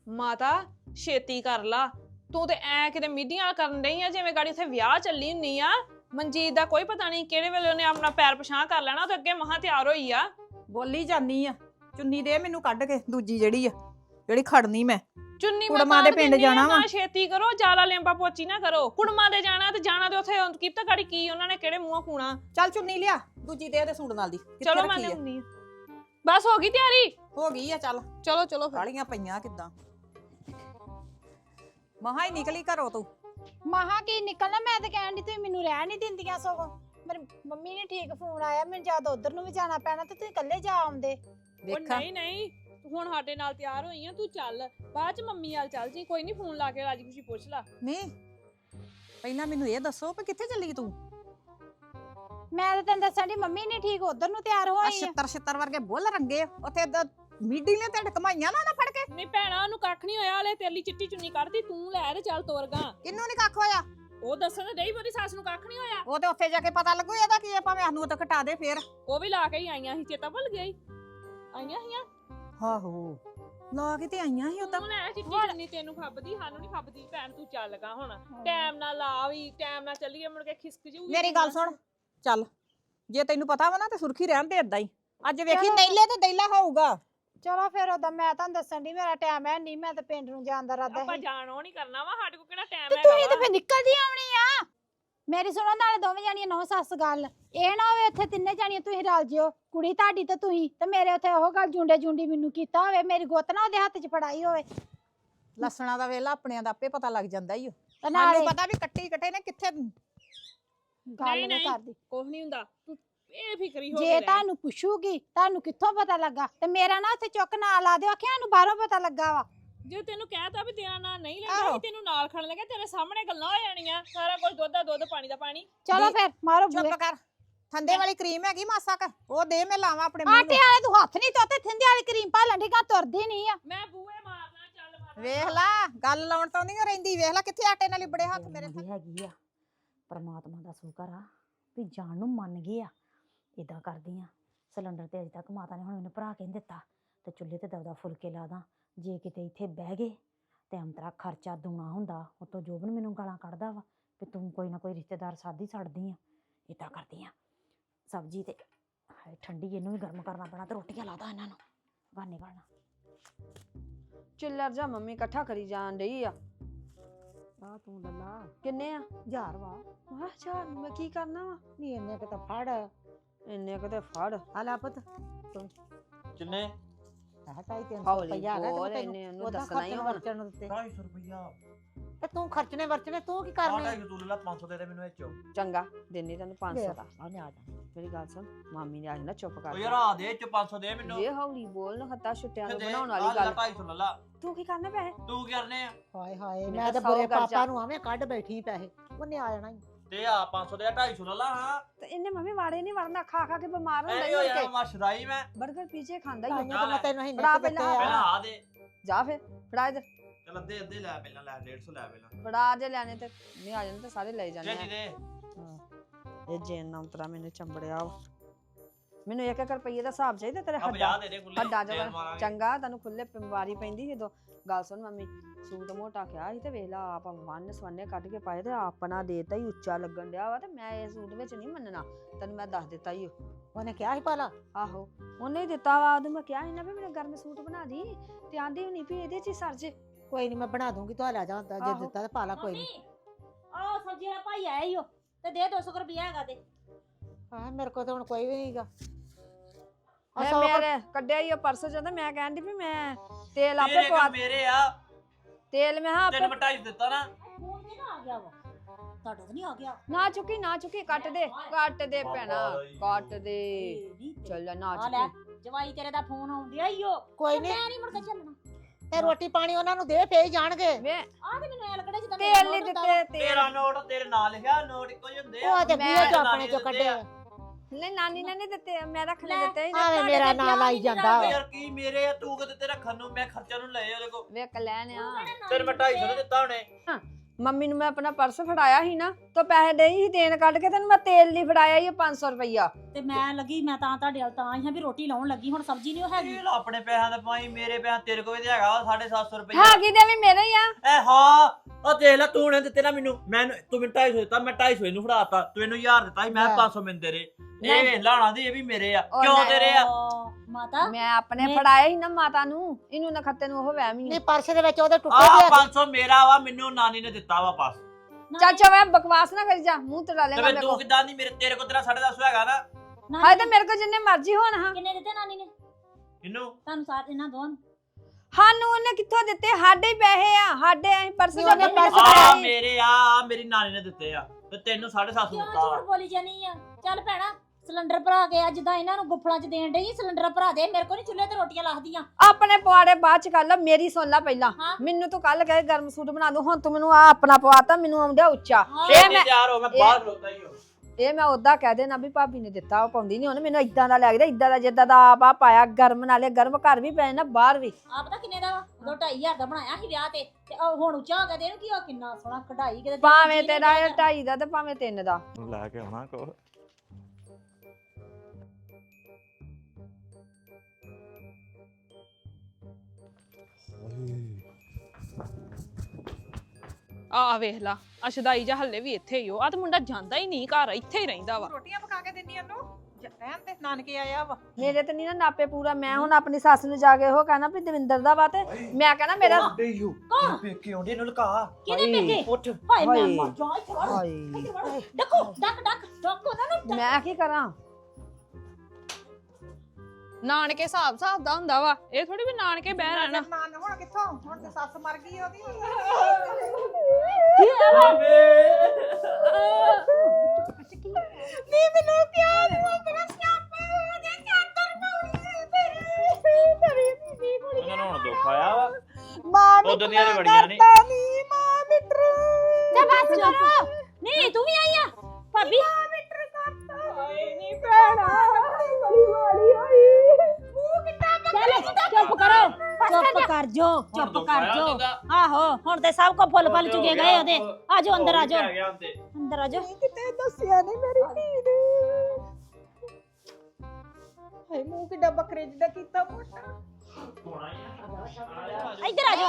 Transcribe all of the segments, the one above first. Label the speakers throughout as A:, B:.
A: ਮਾਤਾ ਛੇਤੀ ਕਰ ਲਾ। ਤੂੰ ਤੇ ਐ ਕਿਤੇ ਮੀਡੀਆਂ ਕਰਨ ਡਈ ਆ ਜਿਵੇਂ ਗਾੜੀ ਉੱਥੇ ਵਿਆਹ ਚੱਲੀ ਹੁੰਨੀ ਆ। ਮਨਜੀਤ ਦਾ ਕੋਈ ਪਤਾ ਨਹੀਂ ਕਿਹੜੇ ਵੇਲੇ ਉਹਨੇ ਆਪਣਾ ਪੈਰ ਪਛਾਂ ਕਰ ਲੈਣਾ ਤੇ ਅੱਗੇ ਮਹਾਂ ਤਿਆਰ ਹੋਈ ਆ।
B: ਬੋਲੀ ਜਾਨੀ ਆ। ਚੁੰਨੀ ਦੇ ਮੈਨੂੰ ਕੱਢ ਕੇ ਦੂਜੀ ਜਿਹੜੀ ਖੜਨੀ ਮੈਂ
A: ਚੁੰਨੀ
B: ਕੁੜਮਾਂ ਦੇ ਪਿੰਡ ਜਾਣਾ ਵਾ।
A: ਛੇਤੀ ਕਰੋ, ਜਾਲਾ ਲਿੰਬਾ ਪੋਚੀ ਨਾ ਕਰੋ। ਕੁੜਮਾਂ ਦੇ ਜਾਣਾ ਤੇ ਉੱਥੇ ਕਿਪਤਾ ਗਾੜੀ ਕੀ ਉਹਨਾਂ ਨੇ ਕਿਹੜੇ ਮੂੰਹੋਂ ਕੂਣਾ।
B: ਚੱਲ ਚੁੰਨੀ ਲਿਆ ਦੂਜੀ ਦੇ ਸੂਟ ਨਾਲ ਦੀ।
A: ਚਲੋ ਮੈਂ ਲਿਆਉਣੀ ਆ। ਬਸ ਹੋ ਗਈ ਤਿਆਰੀ?
B: ਹੋ ਗਈ ਆ। ਚੱਲ
A: ਚਲੋ
B: ਕਾਲੀਆਂ ਪਈਆਂ ਕਿੱਦਾਂ ਮਹਾ ਹੀ ਨਿਕਲੀ ਘਰੋਂ ਤੂੰ।
C: ਮਹਾ ਕੀ ਨਿਕਲਣਾ, ਮੈਂ ਤਾਂ ਕਹਿਣ ਦੀ ਤੁਸੀਂ ਮੈਨੂੰ ਰਹਿ ਨਹੀਂ ਦਿੰਦੀਆਂ। ਸਗੋਂ ਮੇਰੀ ਮੰਮੀ ਨੇ ਠੀਕ ਫੋਨ ਆਇਆ, ਮੈਨੂੰ ਜਦ ਉਧਰ ਨੂੰ ਵੀ ਜਾਣਾ ਪੈਣਾ ਤੇ ਤੁਸੀਂ ਇਕੱਲੇ ਜਾ ਆਉਂਦੇ।
B: ਵੇਖਾਂ
A: ਨਹੀਂ ਹੁਣ ਸਾਡੇ ਨਾਲ ਤਿਆਰ ਹੋਈ ਆ, ਤੂੰ ਚੱਲ ਬਾਅਦ ਚ ਮੰਮੀ ਨਾਲ ਚੱਲ ਜੀ। ਕੋਈ ਨਹੀਂ ਫੋਨ ਲਾ ਕੇ ਰਾਜੀ ਖੁਸ਼ੀ ਪੁੱਛ ਲਾ।
B: ਨਹੀਂ ਪਹਿਲਾਂ ਮੈਨੂੰ ਇਹ ਦੱਸੋ ਕਿ ਕਿੱਥੇ ਚੱਲੀ ਤੂੰ?
C: ਮੈਂ ਤਾਂ ਤੈਨੂੰ ਦੱਸਣ ਦੀ ਮੰਮੀ ਨੇ ਠੀਕ ਉਧਰ ਨੂੰ ਤਿਆਰ ਹੋਈ ਆ।
B: ਛਿੱਤਰ ਵਰਗੇ ਬੁੱਲ ਰੰਗੇ ਉੱਥੇ ਮੀਡੀ ਨੇ ਤੇ ਢਕਮਾਈਆਂ ਨਾ ਫੜ ਕੇ।
A: ਨਹੀਂ ਭੈਣਾ ਉਹਨੂੰ ਕੱਖ ਨਹੀਂ ਹੋਇਆ, ਹਲੇ ਤੇਰੀ ਚਿੱਟੀ ਚੁੰਨੀ ਕੱਢਦੀ ਤੂੰ ਲੈ ਤੇ ਚੱਲ ਤੋਰ ਗਾ।
B: ਕਿੰਨੂੰ ਨੀ ਕੱਖ ਹੋਇਆ?
A: ਉਹ ਦੱਸਣ ਡਈ ਉਹਦੀ ਸੱਸ ਨੂੰ ਕੱਖ ਨਹੀਂ ਹੋਇਆ।
B: ਉਹ ਤੇ ਉੱਥੇ ਜਾ ਕੇ ਪਤਾ ਲੱਗੂ ਇਹਦਾ ਕੀ ਆ, ਭਾਵੇਂ ਸਾਨੂੰ ਤਾਂ ਘਟਾ ਦੇ ਫੇਰ।
A: ਉਹ ਵੀ ਲਾ ਕੇ ਹੀ ਆਈਆਂ ਸੀ, ਚੇਤਾ ਭੁੱਲ ਗਿਆ ਆਈਆਂ ਸੀਆਂ।
B: ਆਹੋ ਲਾ ਕੇ ਤੇ ਆਈਆਂ ਸੀ ਉਦਾਂ।
A: ਤੂੰ ਲੈ ਚਿੱਟੀ ਚੁੰਨੀ, ਤੈਨੂੰ ਖੱਬਦੀ ਸਾਨੂੰ ਨਹੀਂ ਖੱਬਦੀ। ਭੈਣ ਤੂੰ ਚੱਲ ਗਾ ਹੁਣ, ਟਾਈਮ ਨਾਲ ਲਾ ਵੀ, ਟਾਈਮ ਨਾਲ ਚੱਲੀਏ ਮੁੜ ਕੇ ਖਿਸਕ ਜੂਗੀ।
B: ਮੇਰੀ ਗੱਲ ਸੁਣ, ਚੱਲ ਜੇ ਤੈਨੂੰ ਪਤਾ ਵਾ ਨਾ ਤੇ ਸੁਰਖੀ ਰਹਿਣ ਦੇ ਏਦਾਂ ਹੀ। ਅੱਜ ਵੇਖੀ ਨੈਲੇ ਤੇ ਦੈਲਾ ਹੋਊਗਾ।
C: ਚਲੋ ਫਿਰ ਉਦਾਂ ਮੈਂ ਤੁਹਾਨੂੰ ਦੱਸਣ ਦੀ ਮੇਰਾ ਟਾਈਮ ਹੈ ਨਹੀਂ, ਮੈਂ ਤਾਂ ਪਿੰਡ ਨੂੰ ਜਾਣ ਦਾ ਇਰਾਦਾ
A: ਆਪਾਂ
C: ਹੈ।
A: ਜਾਣੋ ਨਹੀਂ ਕਰਨਾ ਵਾ, ਸਾਡੇ ਕੋਲ ਕਿਹੜਾ ਟਾਈਮ
C: ਤੇ
A: ਹੈਗਾ
C: ਤੁਸੀਂ ਤਾਂ
A: ਵਾ।
C: ਫਿਰ ਨਿਕਲਦੀ ਆਉਣੀ ਆ। ਮੇਰੀ ਸੁਣੋ ਨਾਲੇ ਦੋਵੇਂ ਜਾਣੀਆਂ ਨੌ ਸੱਸ ਗੱਲ, ਇਹ ਨਾ ਹੋਵੇ ਇੱਥੇ ਤਿੰਨੇ ਜਾਣੀਆਂ ਤੁਸੀਂ ਰਲ ਜਿਓ, ਕੁੜੀ ਤੁਹਾਡੀ ਤੇ ਤੁਸੀਂ ਤੇ ਮੇਰੇ ਉੱਥੇ ਉਹ ਗੱਲ ਜੁੰਡੀ ਮੈਨੂੰ ਕੀਤਾ ਹੋਵੇ, ਮੇਰੀ ਗੁੱਤ ਨਾ ਉਹਦੇ ਹੱਥ 'ਚ ਫੜਾਈ ਹੋਵੇ।
B: ਲਸਣਾ ਦਾ ਵੇਲਾ ਆਪਣਿਆਂ ਦਾ ਆਪੇ ਪਤਾ ਲੱਗ ਜਾਂਦਾ ਈ ਓ।
C: ਤੇ ਨਾਲੇ
B: ਸਾਨੂੰ ਪਤਾ ਵੀ ਕੱਟੀ ਕੱਟੇ ਨੇ ਕਿੱਥੇ।
C: ਗੱਲ ਨਹੀਂ ਕਰਦੀ
A: ਕੁਝ ਨਹੀਂ ਹੁੰਦਾ, ਤੂੰ ਇਹ ਫਿਕਰੀ ਹੋ
C: ਜੇ ਤੁਹਾਨੂੰ ਪੁੱਛੂਗੀ ਤੁਹਾਨੂੰ ਕਿੱਥੋਂ ਪਤਾ ਲੱਗਾ ਤੇ ਮੇਰਾ ਨਾ ਉੱਥੇ ਚੁੱਕ ਨਾ ਲਾ ਦਿਓ, ਆਖਿਆ ਨੂੰ ਬਾਹਰੋਂ ਪਤਾ ਲੱਗਾ ਵਾ।
A: ਜੇ ਤੈਨੂੰ ਕਹਿਤਾ ਵੀ ਤੇਰਾ ਨਾਂ ਨਹੀਂ ਲੈਣਾ, ਅਸੀਂ ਤੈਨੂੰ ਨਾਲ ਖੜਨ ਲੱਗੇ, ਤੇਰੇ ਸਾਹਮਣੇ ਗੱਲਾਂ ਹੋ ਜਾਣੀਆਂ। ਸਾਰਾ ਕੁਝ ਦੁੱਧ ਦਾ ਦੁੱਧ, ਪਾਣੀ ਦਾ ਪਾਣੀ।
C: ਚਲੋ ਫਿਰ ਮਾਰੋ ਬੂਏ।
B: ਚੁੱਪ ਕਰ। ਥੰਦੇ ਵਾਲੀ ਕਰੀਮ ਹੈਗੀ ਮਾਸਾ ਕ, ਉਹ ਦੇ ਮੈਂ ਲਾਵਾਂ ਆਪਣੇ ਮੂੰਹ
C: ਆਟੇ ਵਾਲੇ ਤੂੰ ਹੱਥ ਨਹੀਂ ਧੋਤੇ, ਥਿੰਦੇ ਵਾਲੀ ਕਰੀਮ ਭਾਲਣ ਦੀ ਗਾ ਤੁਰਦੀ ਨਹੀਂ ਆ।
A: ਮੈਂ ਬੂਏ ਮਾਰਨਾ, ਚੱਲ ਮਾਰ।
B: ਵੇਖ ਲਾ ਗੱਲ ਲਾਉਣ ਤੋਂ ਨਹੀਂ ਰਹਿੰਦੀ। ਵੇਖ ਲਾ ਕਿੱਥੇ ਆਟੇ ਨਾਲ ਲਿਬੜੇ ਹੱਥ ਮੇਰੇ।
D: ਹੈਗੀ ਆ ਪਰਮਾਤਮਾ ਦਾ ਸ਼ੁਕਰ ਆ ਵੀ ਜਾਣ ਨੂੰ ਮੰਨ ਗਏ ਆ। ਇਦਾਂ ਕਰਦੀ ਆ, ਸਿਲੰਡਰ ਤੇ ਅਜੇ ਤੱਕ ਮਾਤਾ ਨੇ ਹੁਣ ਮੈਨੂੰ ਭਰਾ ਕੇ ਨਹੀਂ ਦਿੱਤਾ ਤੇ ਚੁੱਲ੍ਹੇ ਤੇ ਦਵਦਾ ਫੁਲਕੇ ਲਾ ਦਾਂ। ਜੇ ਕਿਤੇ ਇੱਥੇ ਬਹਿ ਗਏ ਤੇ ਅੰਤਰਾ ਖਰਚਾ ਦੂਣਾ ਹੁੰਦਾ। ਉਤੋਂ ਜੋਬਨ ਮੈਨੂੰ ਗਾਲਾਂ ਕੱਢਦਾ ਵਾ ਵੀ ਤੂੰ ਕੋਈ ਨਾ ਕੋਈ ਰਿਸ਼ਤੇਦਾਰ ਸਾਦੀ ਛੱਡਦੀ ਆ। ਇਦਾਂ ਕਰਦੀ ਆ, ਸਬਜ਼ੀ ਤੇ ਹਾਏ ਠੰਡੀ ਇਹਨੂੰ ਵੀ ਗਰਮ ਕਰਨਾ ਪੈਣਾ ਤੇ ਰੋਟੀਆਂ ਲਾਦਾ ਇਹਨਾਂ ਨੂੰ ਬਾਨੇ ਕਰਨਾ।
E: ਚਿੱਲਰ ਜਾ ਮੰਮੀ ਇਕੱਠਾ ਕਰੀ ਜਾਣ ਡਈ ਆ।
B: ਆ ਤੂੰ ਲੱਲਾ
E: ਕਿੰਨੇ ਆ?
B: 1000 ਵਾ।
E: ਵਾਹ ਚਾਰ ਨੂੰ ਮੈਂ ਕੀ ਕਰਨਾ ਵਾ?
B: ਨਹੀਂ ਇੰਨੇ ਕਿ ਤਾਂ ਫੜ
E: ਇੰਨੇ ਕਿਤੇ ਫੜ।
B: ਆ ਲੈ ਪੁੱਤ।
F: ਕਿੰਨੇ?
B: ਆਹ 250
E: ਹੌਲੀ
B: ਰੁਪਇਆ ਹੈਗਾ
E: ਬੋਲ,
B: ਤੇ
E: ਇੰਨੇ ਉਹਨੂੰ
B: ਉਹਦਾ
E: ਦੱਸਣਾ ਹੀ
B: ਖਰਚਣ
E: ਹੁਣ।
B: ਵਰਚਣ ਨੂੰ ਦਿੱਤੇ।
F: 250 ਰੁਪਇਆ।
B: ਤੇ ਤੂੰ ਖਰਚਣੇ ਵਰਚਣੇ ਤੂੰ ਕੀ
F: ਆ
B: ਕਰਨੇ?
F: 250 ਤੂੰ ਲੈ ਲਾ, 500 ਦੇ ਦੇ ਮੈਨੂੰ ਵਿੱਚੋਂ।
E: ਚੰਗਾ ਦਿੰਨੀ ਤੈਨੂੰ 500 ਦਾ।
B: ਆਨੇ ਆ ਜਾ।
E: ਮੇਰੀ ਗੱਲ ਸੁਣ, ਮਾਮੀ ਨੇ ਆ ਜਾਣਾ, ਚੁੱਪ ਕਰ
F: ਓ ਯਾਰ ਆ ਦੇ ਚ 500 ਦੇ ਮੈਨੂੰ।
E: ਇਹ ਹੌਲੀ ਬੋਲ ਨਾ, ਖੱਤਾ ਛੁੱਟਿਆਂ ਨੂੰ
F: ਦੇ,
E: ਬਣਾਉਣ
F: ਆ
E: ਵਾਲੀ
F: ਲੈ
E: ਗੱਲ।
F: 250 ਲੈ ਲਾ।
E: ਤੂੰ ਕੀ ਕਰਨਾ ਪੈਸੇ?
F: ਤੂੰ ਕੀ ਕਰਨੇ ਆ?
B: ਹਾਏ ਹਾਏ
E: ਮੈਂ
B: ਮੈਂ
E: ਤਾਂ
B: ਤਾਂ ਬੁਰੇ
E: 100 ਕਰਜ਼ਾ।
B: ਪਾਪਾ ਨੂੰ ਆਵੇਂ ਕੱਢ ਬੈਠੀ ਪੈਸੇ। ਉਹਨੇ ਆ ਜਾਣਾ ਈ।
F: ਤੇ ਆ 500 ਦੇ 250 ਲੈ ਲਾ। ਹਾਂ
E: ਤੇ ਇਹਨੇ ਮੰਮੀ ਵਾੜੇ ਨਹੀਂ ਵੜਨਾ, ਖਾ ਖਾ ਕੇ ਬਿਮਾਰ ਹੁੰਦਾ
F: ਐ
E: ਹੀ
F: ਹੋ
E: ਹੋ
F: ਜਾਣਾ
E: ਕੇ।
F: ਮਸ਼ਰਾਈ ਮੈਂ।
E: ਬਰਗਰ ਪੀਜੇ ਖਾਂਦਾ ਹੀ
B: ਤਾਈਆਂ ਤਾਂ ਮੈਂ ਤੈਨੂੰ ਹੀ
E: ਫੜਾ
B: ਨਿੱਕ ਦਿੱਤੇ
E: ਪਹਿਲਾਂ
F: ਪਹਿਲਾਂ
B: ਆ।
F: ਆ ਦੇ।
E: ਜਾ ਫਿਰ ਫੜਾ ਇਧਰ।
F: ਚੱਲ ਅੱਧੇ ਅੱਧੇ ਲੈ, ਪਹਿਲਾਂ ਲੈ 150 ਲੈ ਪਹਿਲਾਂ।
E: ਫੜਾ ਜੇ ਲੈਣੇ ਤੇ ਨਹੀਂ ਆ ਜਾਣੇ ਤੇ ਸਾਰੇ ਲੈ ਜਾਣੇ
F: ਜੀ
E: ਆ।
F: ਦੇ।
E: ਇਹ ਜੇਨ ਨਾਮ ਤਰਾ ਮੈਨੂੰ ਚੰਬੜਿਆ ਵਾ। ਮੈਨੂੰ 1 ਰੁਪਈਏ ਦਾ ਹਿਸਾਬ ਚਾਹੀਦਾ ਤੇਰੇ
F: ਆ 50 ਦੇ ਦੇ ਖੁੱਲੇ।
E: ਹੱਡਾ
F: ਤੇਲ
E: ਜਗਾ
F: ਮਾਰਾਂਗੇ।
E: ਚੰਗਾ ਤੈਨੂੰ ਖੁੱਲੇ ਬਿਮਾਰੀ ਪੈਂਦੀ ਸੀ ਉਦੋਂ। ਗੱਲ ਸੁਣ ਮੰਮੀ, ਸੂਟ ਮੋਟਾ ਕਿਹਾ ਸੀ ਤੇ ਵੇਖ ਲਾ ਆਪ ਵੰਨ ਸਵੰਨੇ ਕੱਢ ਕੇ ਪਾਏ ਤੇ ਆਪਣਾ ਦੇਤਾ ਹੀ ਉੱਚਾ ਲੱਗਣ ਡਿਆ ਵਾ। ਤੇ ਮੈਂ ਇਹ ਸੂਟ ਵਿੱਚ ਨਹੀਂ ਮੰਨਣਾ, ਤੈਨੂੰ ਮੈਂ ਦੱਸ ਦਿੱਤਾ ਹੀ।
B: ਉਹਨੇ ਕਿਹਾ ਸੀ ਭਲਾ।
E: ਆਹੋ ਉਹਨੇ ਹੀ ਦਿੱਤਾ ਵਾ। ਉਹਨੂੰ ਮੈਂ ਕਿਹਾ ਸੀ ਨਾ ਵੀ ਮੇਰੇ ਗਰਮ ਸੂਟ ਬਣਾ ਦੀ, ਤੇ ਆਂਦੀ ਵੀ ਨਹੀਂ ਵੀ ਇਹਦੇ ਚ ਹੀ ਸਰ ਜੇ।
B: ਕੋਈ ਨਹੀਂ ਮੈਂ ਬਣਾ ਦੂੰਗੀ, ਤੂੰ ਲੈ ਜਾ ਹੁੰਦਾ। ਜੇ
E: ਆਹੋ।
B: ਦਿੱਤਾ ਤੇ ਪਾ ਲਾ ਕੋਈ ਨਹੀਂ।
G: ਆਹ ਸਬਜ਼ੀ ਵਾਲਾ ਭਾਈ ਆਇਆ ਈ ਓ ਤੇ ਦੇ 200 ਰੁਪਇਆ ਹੈਗਾ ਤੇ।
B: ਹਾਂ ਮੇਰੇ ਕੋਲ ਤਾਂ ਹੁਣ ਕੋਈ ਵੀ ਨਹੀਂਗਾ।
E: ਮੈਂ ਮੇਰੇ ਕੱਢਿਆ ਹੀ ਪਰਸ ਜਦੋਂ ਮੈਂ ਕਹਿੰਦੀ ਵੀ ਮੈਂ ਤੇਲ ਆਪੇ
F: ਤੇਰੇ
E: ਪਵਾ
F: ਕੰਮ ਮੇਰੇ ਆ।
E: ਤੇਲ ਮੈਂ ਹਾਂ
F: ਤੈਨੂੰ
E: ਆਪੇ
F: ਮੈਂ 250 ਦਿੱਤਾ ਨਾ।
G: ਫੋਨ ਤੇ ਨਾ ਆ ਗਿਆ ਵਾ, ਤੁਹਾਡਾ ਤਾਂ ਨਹੀਂ ਆ ਗਿਆ।
E: ਨਾ ਚੁੱਕੀ ਨਾ ਚੁੱਕੀ, ਕੱਟ ਦੇ ਭੈਣਾ ਕੱਟ ਦੇ।
G: ਨਹੀਂ
E: ਚੱਲ ਨਾ
G: ਆ ਲੈ,
E: ਚੁੱਕੀ।
G: ਜਵਾਈ ਤੇਰੇ ਦਾ ਫੋਨ ਆਉਂਦਿਆ ਈ ਓ।
B: ਕੋਈ
G: ਤੇ
B: ਨਹੀਂ
G: ਮੈਂ ਨਹੀਂ ਮੁੜ ਕੇ ਚੱਲਣਾ।
B: ਤੇ ਰੋਟੀ ਪਾਣੀ ਉਹਨਾਂ ਨੂੰ ਦੇ, ਫੇਰ ਹੀ ਜਾਣਗੇ।
E: ਵੇ
G: ਆਹ ਤੇ ਮੈਨੂੰ ਐ ਲੱਗਦਾ ਜਿੱਦਾਂ
E: ਤੇਲ ਨਹੀਂ ਦਿੱਤੇ ਤੇਲ।
F: ਤੇਰਾ ਨੋਟ ਤੇਰੇ ਨਾਲ ਲਿਖਿਆ, ਨੋਟ ਇੱਕੋ ਹੀ ਹੁੰਦੇ ਆ।
B: ਉਹ ਤੇ
E: ਮੈਂ
B: ਬੂਹੇ ਚੋਂ ਆਪਣੇ
F: ਨਾਨੀ
B: ਚੋਂ
F: ਦੇ
B: ਕੱਢੇ।
E: ਨਹੀਂ ਨਾਨੀ ਨੇ ਨਹੀਂ ਦਿੱਤੇ, ਮੈਂ ਰੱਖ ਲੈ
G: ਲੈ।
E: ਦਿੱਤੇ ਹੀ
B: ਆਵੇਂ ਮੇਰਾ ਨਾਂ ਲਾਈ ਜਾਂਦਾ
F: ਓ
B: ਵਾ।
F: ਯਾਰ ਕੀ ਮੇਰੇ ਆ, ਤੂੰ ਕਿਤੇ ਤੇਰਾ ਖੰਨੂ ਮੈਂ ਖਰਚਾ ਨੂੰ ਲਏ ਉਹਦੇ ਕੋ।
E: ਵੇ ਕਲੈਨ ਆ।
F: ਤੈਨੂੰ ਮੈਂ 250 ਦਿੱਤਾ ਹੁਣੇ।
E: ਮੰਮੀ ਨੂੰ ਮੈਂ ਆਪਣਾ ਪਰਸ ਫੜਾਇਆ ਸੀ ਨਾ ਤਾਂ ਪੈਸੇ ਦੇਈ ਸੀ ਦੇਣ ਕੱਢ ਕੇ ਤੈਨੂੰ ਮੈਂ ਤੇਲ ਲਈ ਫੜਾਇਆ ਸੀ 500 ਰੁਪਈਆ।
G: ਤੇ ਮੈਂ ਲੱਗੀ ਮੈਂ ਤਾਂ ਤੁਹਾਡੇ ਵੱਲ ਤਾਂ ਆਈ ਹਾਂ ਵੀ ਰੋਟੀ ਲਾਉਣ ਲੱਗੀ ਹੁਣ ਸਬਜ਼ੀ ਨਹੀਂ ਹੈਗੀ
F: ਇਹ ਆਪਣੇ ਪੈਸਿਆਂ ਦਾ ਪਾਈ ਮੇਰੇ ਪੈਸਾ ਤੇਰੇ ਕੋਲ ਵੀ ਤੇ ਹੈਗਾ 750 ਰੁਪਏ
E: ਹੈਗੀ ਤੇ ਵੀ ਮੇਰੇ ਹੀ ਆ।
F: ਐ ਹਾਂ ਉਹ ਦੇਖ ਲੈ ਤੂੰ ਨੇ ਦਿੱਤੇ ਨਾ ਮੈਨੂੰ ਤੂੰ ਮੈਨੂੰ 250 ਦਿੱਤਾ ਮੈਂ 250 ਇਹਨੂੰ ਫੜਾਤਾ ਤੂੰ ਇਹਨੂੰ 1000 ਦਿੱਤਾ ਸੀ ਮੈਂ 500 ਮੈਨੂੰ ਤੇਰੇ ਇਹ ਵੇਖ ਲਾਣਾ ਦੀ ਇਹ ਵੀ ਮੇਰੇ ਆ
E: ਉਹ
F: ਕਿਉਂ
E: ਨਹੀਂ।
F: ਤੇਰੇ ਆ
G: ਮਾਤਾ
E: ਮੈਂ ਆਪਣੇ ਫੜਾਏ ਸੀ ਨਾ ਮਾਤਾ ਨੂੰ ਇਹਨੂੰ ਨਖੱਤੇ ਨੂੰ ਉਹ ਵਹਿਮ ਹੀ
B: ਨਹੀਂ ਪਰਸ ਦੇ ਵਿੱਚ ਉਹਦੇ ਟੁੱਟੇ
F: ਆ
B: ਵੀ
F: 500 ਮੇਰਾ ਵਾ ਮੈਨੂੰ ਨਾਨੀ ਨੇ ਦਿੱਤਾ ਵਾ ਪਾਸ
E: ਚਾਚਾ ਵੇ ਬਕਵਾਸ ਨਾ ਕਰੀ ਜਾ ਮੂੰਹ ਤੇ ਲਾ
F: ਤੇ
E: ਲੇਗਾ ਮੇਰੇ
F: ਤੂੰ
E: ਕੋ।
F: ਕਿਦਾਂ ਨਹੀਂ ਤੇਰੇ ਕੋਲ ਤੇਰਾ 750 ਹੈਗਾ ਨਾ
E: ਹਾਏ ਤੇ ਮੇਰੇ ਕੋ ਜਿੰਨੇ ਮਰਜ਼ੀ ਹੋਣ ਹਾਂ
G: ਕਿੰਨੇ ਦਿੱਤੇ ਨਾਨੀ ਨੇ
F: ਕਿੰਨੂੰ
G: ਤੁਹਾਨੂੰ ਸਾਥ ਇਹਨਾਂ ਦੋਵਾਂ ਨੂੰ
E: ਸਾਨੂੰ ਉਹਨੇ ਕਿੱਥੋਂ ਦਿੱਤੇ ਸਾਡੇ ਹੀ ਪੈਸੇ ਆ ਸਾਡੇ ਅਸੀਂ ਪਰਸ
B: ਨਹੀਂ,
E: ਦੇ
B: ਉਹਨੇ
E: ਪੈਸੇ
B: ਪੈਸੇ
F: ਆ
E: ਪਾਏ।
F: ਮੇਰੇ ਆ ਮੇਰੀ ਨਾਨੀ ਨੇ ਦਿੱਤੇ ਆ ਤੇ ਤੈਨੂੰ 750
G: ਕਿਉਂ
F: ਦਿੱਤਾ ਵਾ
G: ਝੂਠ ਬੋਲੀ ਜਾਨੀ ਆ ਚੱਲ ਭੈਣਾ ਸਿਲੰਡਰ ਭਰਾ ਕੇ ਅੱਜ ਦਾ ਇਹਨਾਂ ਨੂੰ ਗੁੱਫਲਾਂ 'ਚ ਦੇਣ ਡਈ ਸਿਲੰਡਰ ਭਰਾ ਦੇ ਮੇਰੇ ਕੋਲ ਨਹੀਂ ਚੁੱਲ੍ਹੇ ਤੇ ਰੋਟੀਆਂ ਲਾਹਦੀਆਂ
E: ਆਪਣੇ ਪਵਾੜੇ ਬਾਅਦ ਚ ਕਰ ਲੈ ਮੇਰੀ ਸੁਣ ਲੈ ਪਹਿਲਾਂ
G: ਹਾਂ।
E: ਮੈਨੂੰ ਤੂੰ ਕੱਲ ਕਹੇ ਗਰਮ ਸੂਟ ਬਣਾ ਦੂੰ ਹੁਣ ਤੂੰ ਮੈਨੂੰ ਆ ਆਪਣਾ ਪਵਾਤਾ ਮੈਨੂੰ ਆਉਂਦਾ ਉੱਚਾ
G: ਹਾਂ।
E: ਇਹ ਮੈਂ
F: ਤਿਆਰ ਹੋ ਮੈਂ ਬਾਹਰ ਖਲੋਤਾ ਹੀ ਹਾਂ
E: ਇਹ ਮੈਂ ਉਦਾਂ ਕਹਿ ਦੇਣਾ ਵੀ ਭਾਬੀ ਨੇ ਦਿੱਤਾ ਉਹ ਪਾਉਂਦੀ ਨਹੀਂ ਉਹਨੇ ਮੈਨੂੰ ਇਦਾਂ ਦਾ ਲੱਗਦਾ ਇਦਾਂ ਦਾ ਜਿੱਦਾਂ ਦਾ ਆਪ ਆ ਪਾਇਆ ਗਰਮ ਨਾਲੇ ਗਰਮ ਘਰ ਵੀ ਪਏ ਨਾ ਬਾਹਰ ਵੀ
G: ਆ ਪਤਾ ਕਿੰਨੇ ਦਾ ਵਾ ਉਦੋਂ 2500 ਦਾ ਬਣਾਇਆ ਸੀ ਵਿਆਹ ਤੇ ਉਹ ਹੁਣ ਉੱਚਾ ਹੋ ਗਿਆ ਤੇ ਇਹਨੂੰ ਕੀ ਹੋ ਕਿੰਨਾ ਸੋਹਣਾ ਕਢਾਈ ਕਿਤੇ
E: ਭਾਵੇਂ ਤੇਰਾ ਇਹ 2.5 ਦਾ ਤੇ ਭਾਵੇਂ 3 ਦਾ
H: ਲੈ ਕੇ ਆਉਣਾ ਕੋ
A: ਆ ਵੇਖ ਲਾ ਅਸ਼ਦਾਈ ਜਾਂ ਹੱਲੇ ਵੀ ਇੱਥੇ ਹੀ ਹੋ ਆ ਤੇ ਮੁੰਡਾ ਜਾਂਦਾ ਹੀ ਨਹੀਂ ਘਰ ਇੱਥੇ ਹੀ ਰਹਿੰਦਾ ਵਾ
B: ਰੋਟੀਆਂ ਪਕਾ ਕੇ ਦਿੰਦੀ ਉਹਨੂੰ ਰਹਿਣ ਤੇ ਨਾਨਕੇ ਆਇਆ ਵਾ
E: ਮੇਰੇ ਤੇ ਨਹੀਂ ਨਾ ਨਾਪੇ ਪੂਰਾ ਮੈਂ ਹੁਣ ਆਪਣੀ ਸੱਸ ਨੂੰ ਜਾ ਕੇ ਉਹ ਕਹਿਣਾ ਵੀ ਦਵਿੰਦਰ ਦਾ ਵਾ ਤੇ ਮੈਂ ਕਹਿਣਾ ਮੇਰਾ
F: ਦੇਯੂ ਪੇਕੇ ਆਉਂਦੇ ਇਹਨੂੰ ਲੁਕਾ
G: ਕਿਹਦੇ ਪੇਕੇ
F: ਉੱਠ
G: ਹਾਏ ਮੈਂ
E: ਹਾਏ।
G: ਮਰ ਜਾ ਇੱਥੇ ਵੜ
E: ਹਾਏ
G: ਇੱਥੇ ਵੜ ਡੱਕੋ ਡੱਕ ਉਹਨਾਂ ਨੂੰ
E: ਮੈਂ ਕੀ ਕਰਾਂ
A: ਨਾਨਕੇ ਹਿਸਾਬ ਦਾ ਹੁੰਦਾ ਵਾ ਇਹ ਥੋੜੀ ਵੀ ਨਾਨਕੇ ਬਹਿ ਰਹਿਣਾ
B: ਨਾਨ ਹੁਣ ਕਿੱਥੋਂ ਹੁਣ ਤੇ ਸੱਸ ਮਰ ਗਈ ਉਹਦੀ ਨਹੀਂ ਮੈਨੂੰ ਪਿਆਰ ਮੇਰਾ ਸਿਆਪਾ ਹੋ ਗਿਆ ਚਾਦਰ ਪਾਉਣੀ ਤੇਰੀ ਬੀਬੀ ਕੁੜੀ
F: ਉਹਨਾਂ ਨੂੰ ਹੁਣ ਦੁੱਖ ਆਇਆ ਵਾ
B: ਮਾਂ
F: ਉਹ ਦੁਨੀਆ ਦੇ ਬੜੀਆਂ ਨੇ
B: ਨਹੀਂ ਮਾਂ ਮਿੱਟਰ
G: ਤੇ ਬਸ ਕਰੋ ਨਹੀਂ ਤੂੰ ਵੀ ਆਈ ਆ ਭਾਬੀ
B: ਮਿੱਟਰ ਕਰਤਾ ਹਾਏ ਨਹੀਂ ਭੈਣਾ ਬੜੀ ਵਾਲੀ ਹੋਈ ਮੂੰਹ ਕਿੱਦਾਂ
G: ਚੱਲ ਚੁੱਪ ਕਰੋ ਚੁੱਪ ਕਰ ਜੋ
F: ਹੁਣ
G: ਚੁੱਪ
F: ਦੁੱਖ
G: ਕਰ
F: ਆਇਆ
G: ਜੋ
F: ਉਹਦਾ।
G: ਆਜੋ ਹੁਣ ਤੇ ਸਭ ਕੋ ਫੁੱਲ ਫਲ ਚੁਗੇ ਗਏ ਉਹਦੇ ਆਜੋ ਅੰਦਰ
F: ਉਹ ਵੀ
G: ਆਜੋ
F: ਪੈ ਗਿਆ ਹੁਣ ਤੇ।
G: ਅੰਦਰ ਆਜੋ
B: ਕਿਤੇ ਦੱਸਿਆ ਨਹੀਂ ਮੇਰੀ ਧੀ ਨੇ ਹਾਏ ਮੂੰਹ ਕਿੱਡਾ ਬੱਕਰੇ ਜਿੱਡਾ ਕੀਤਾ ਮੋਟਾ
F: ਹੋਣਾ ਹੀ ਆ।
G: ਇੱਧਰ ਆਜੋ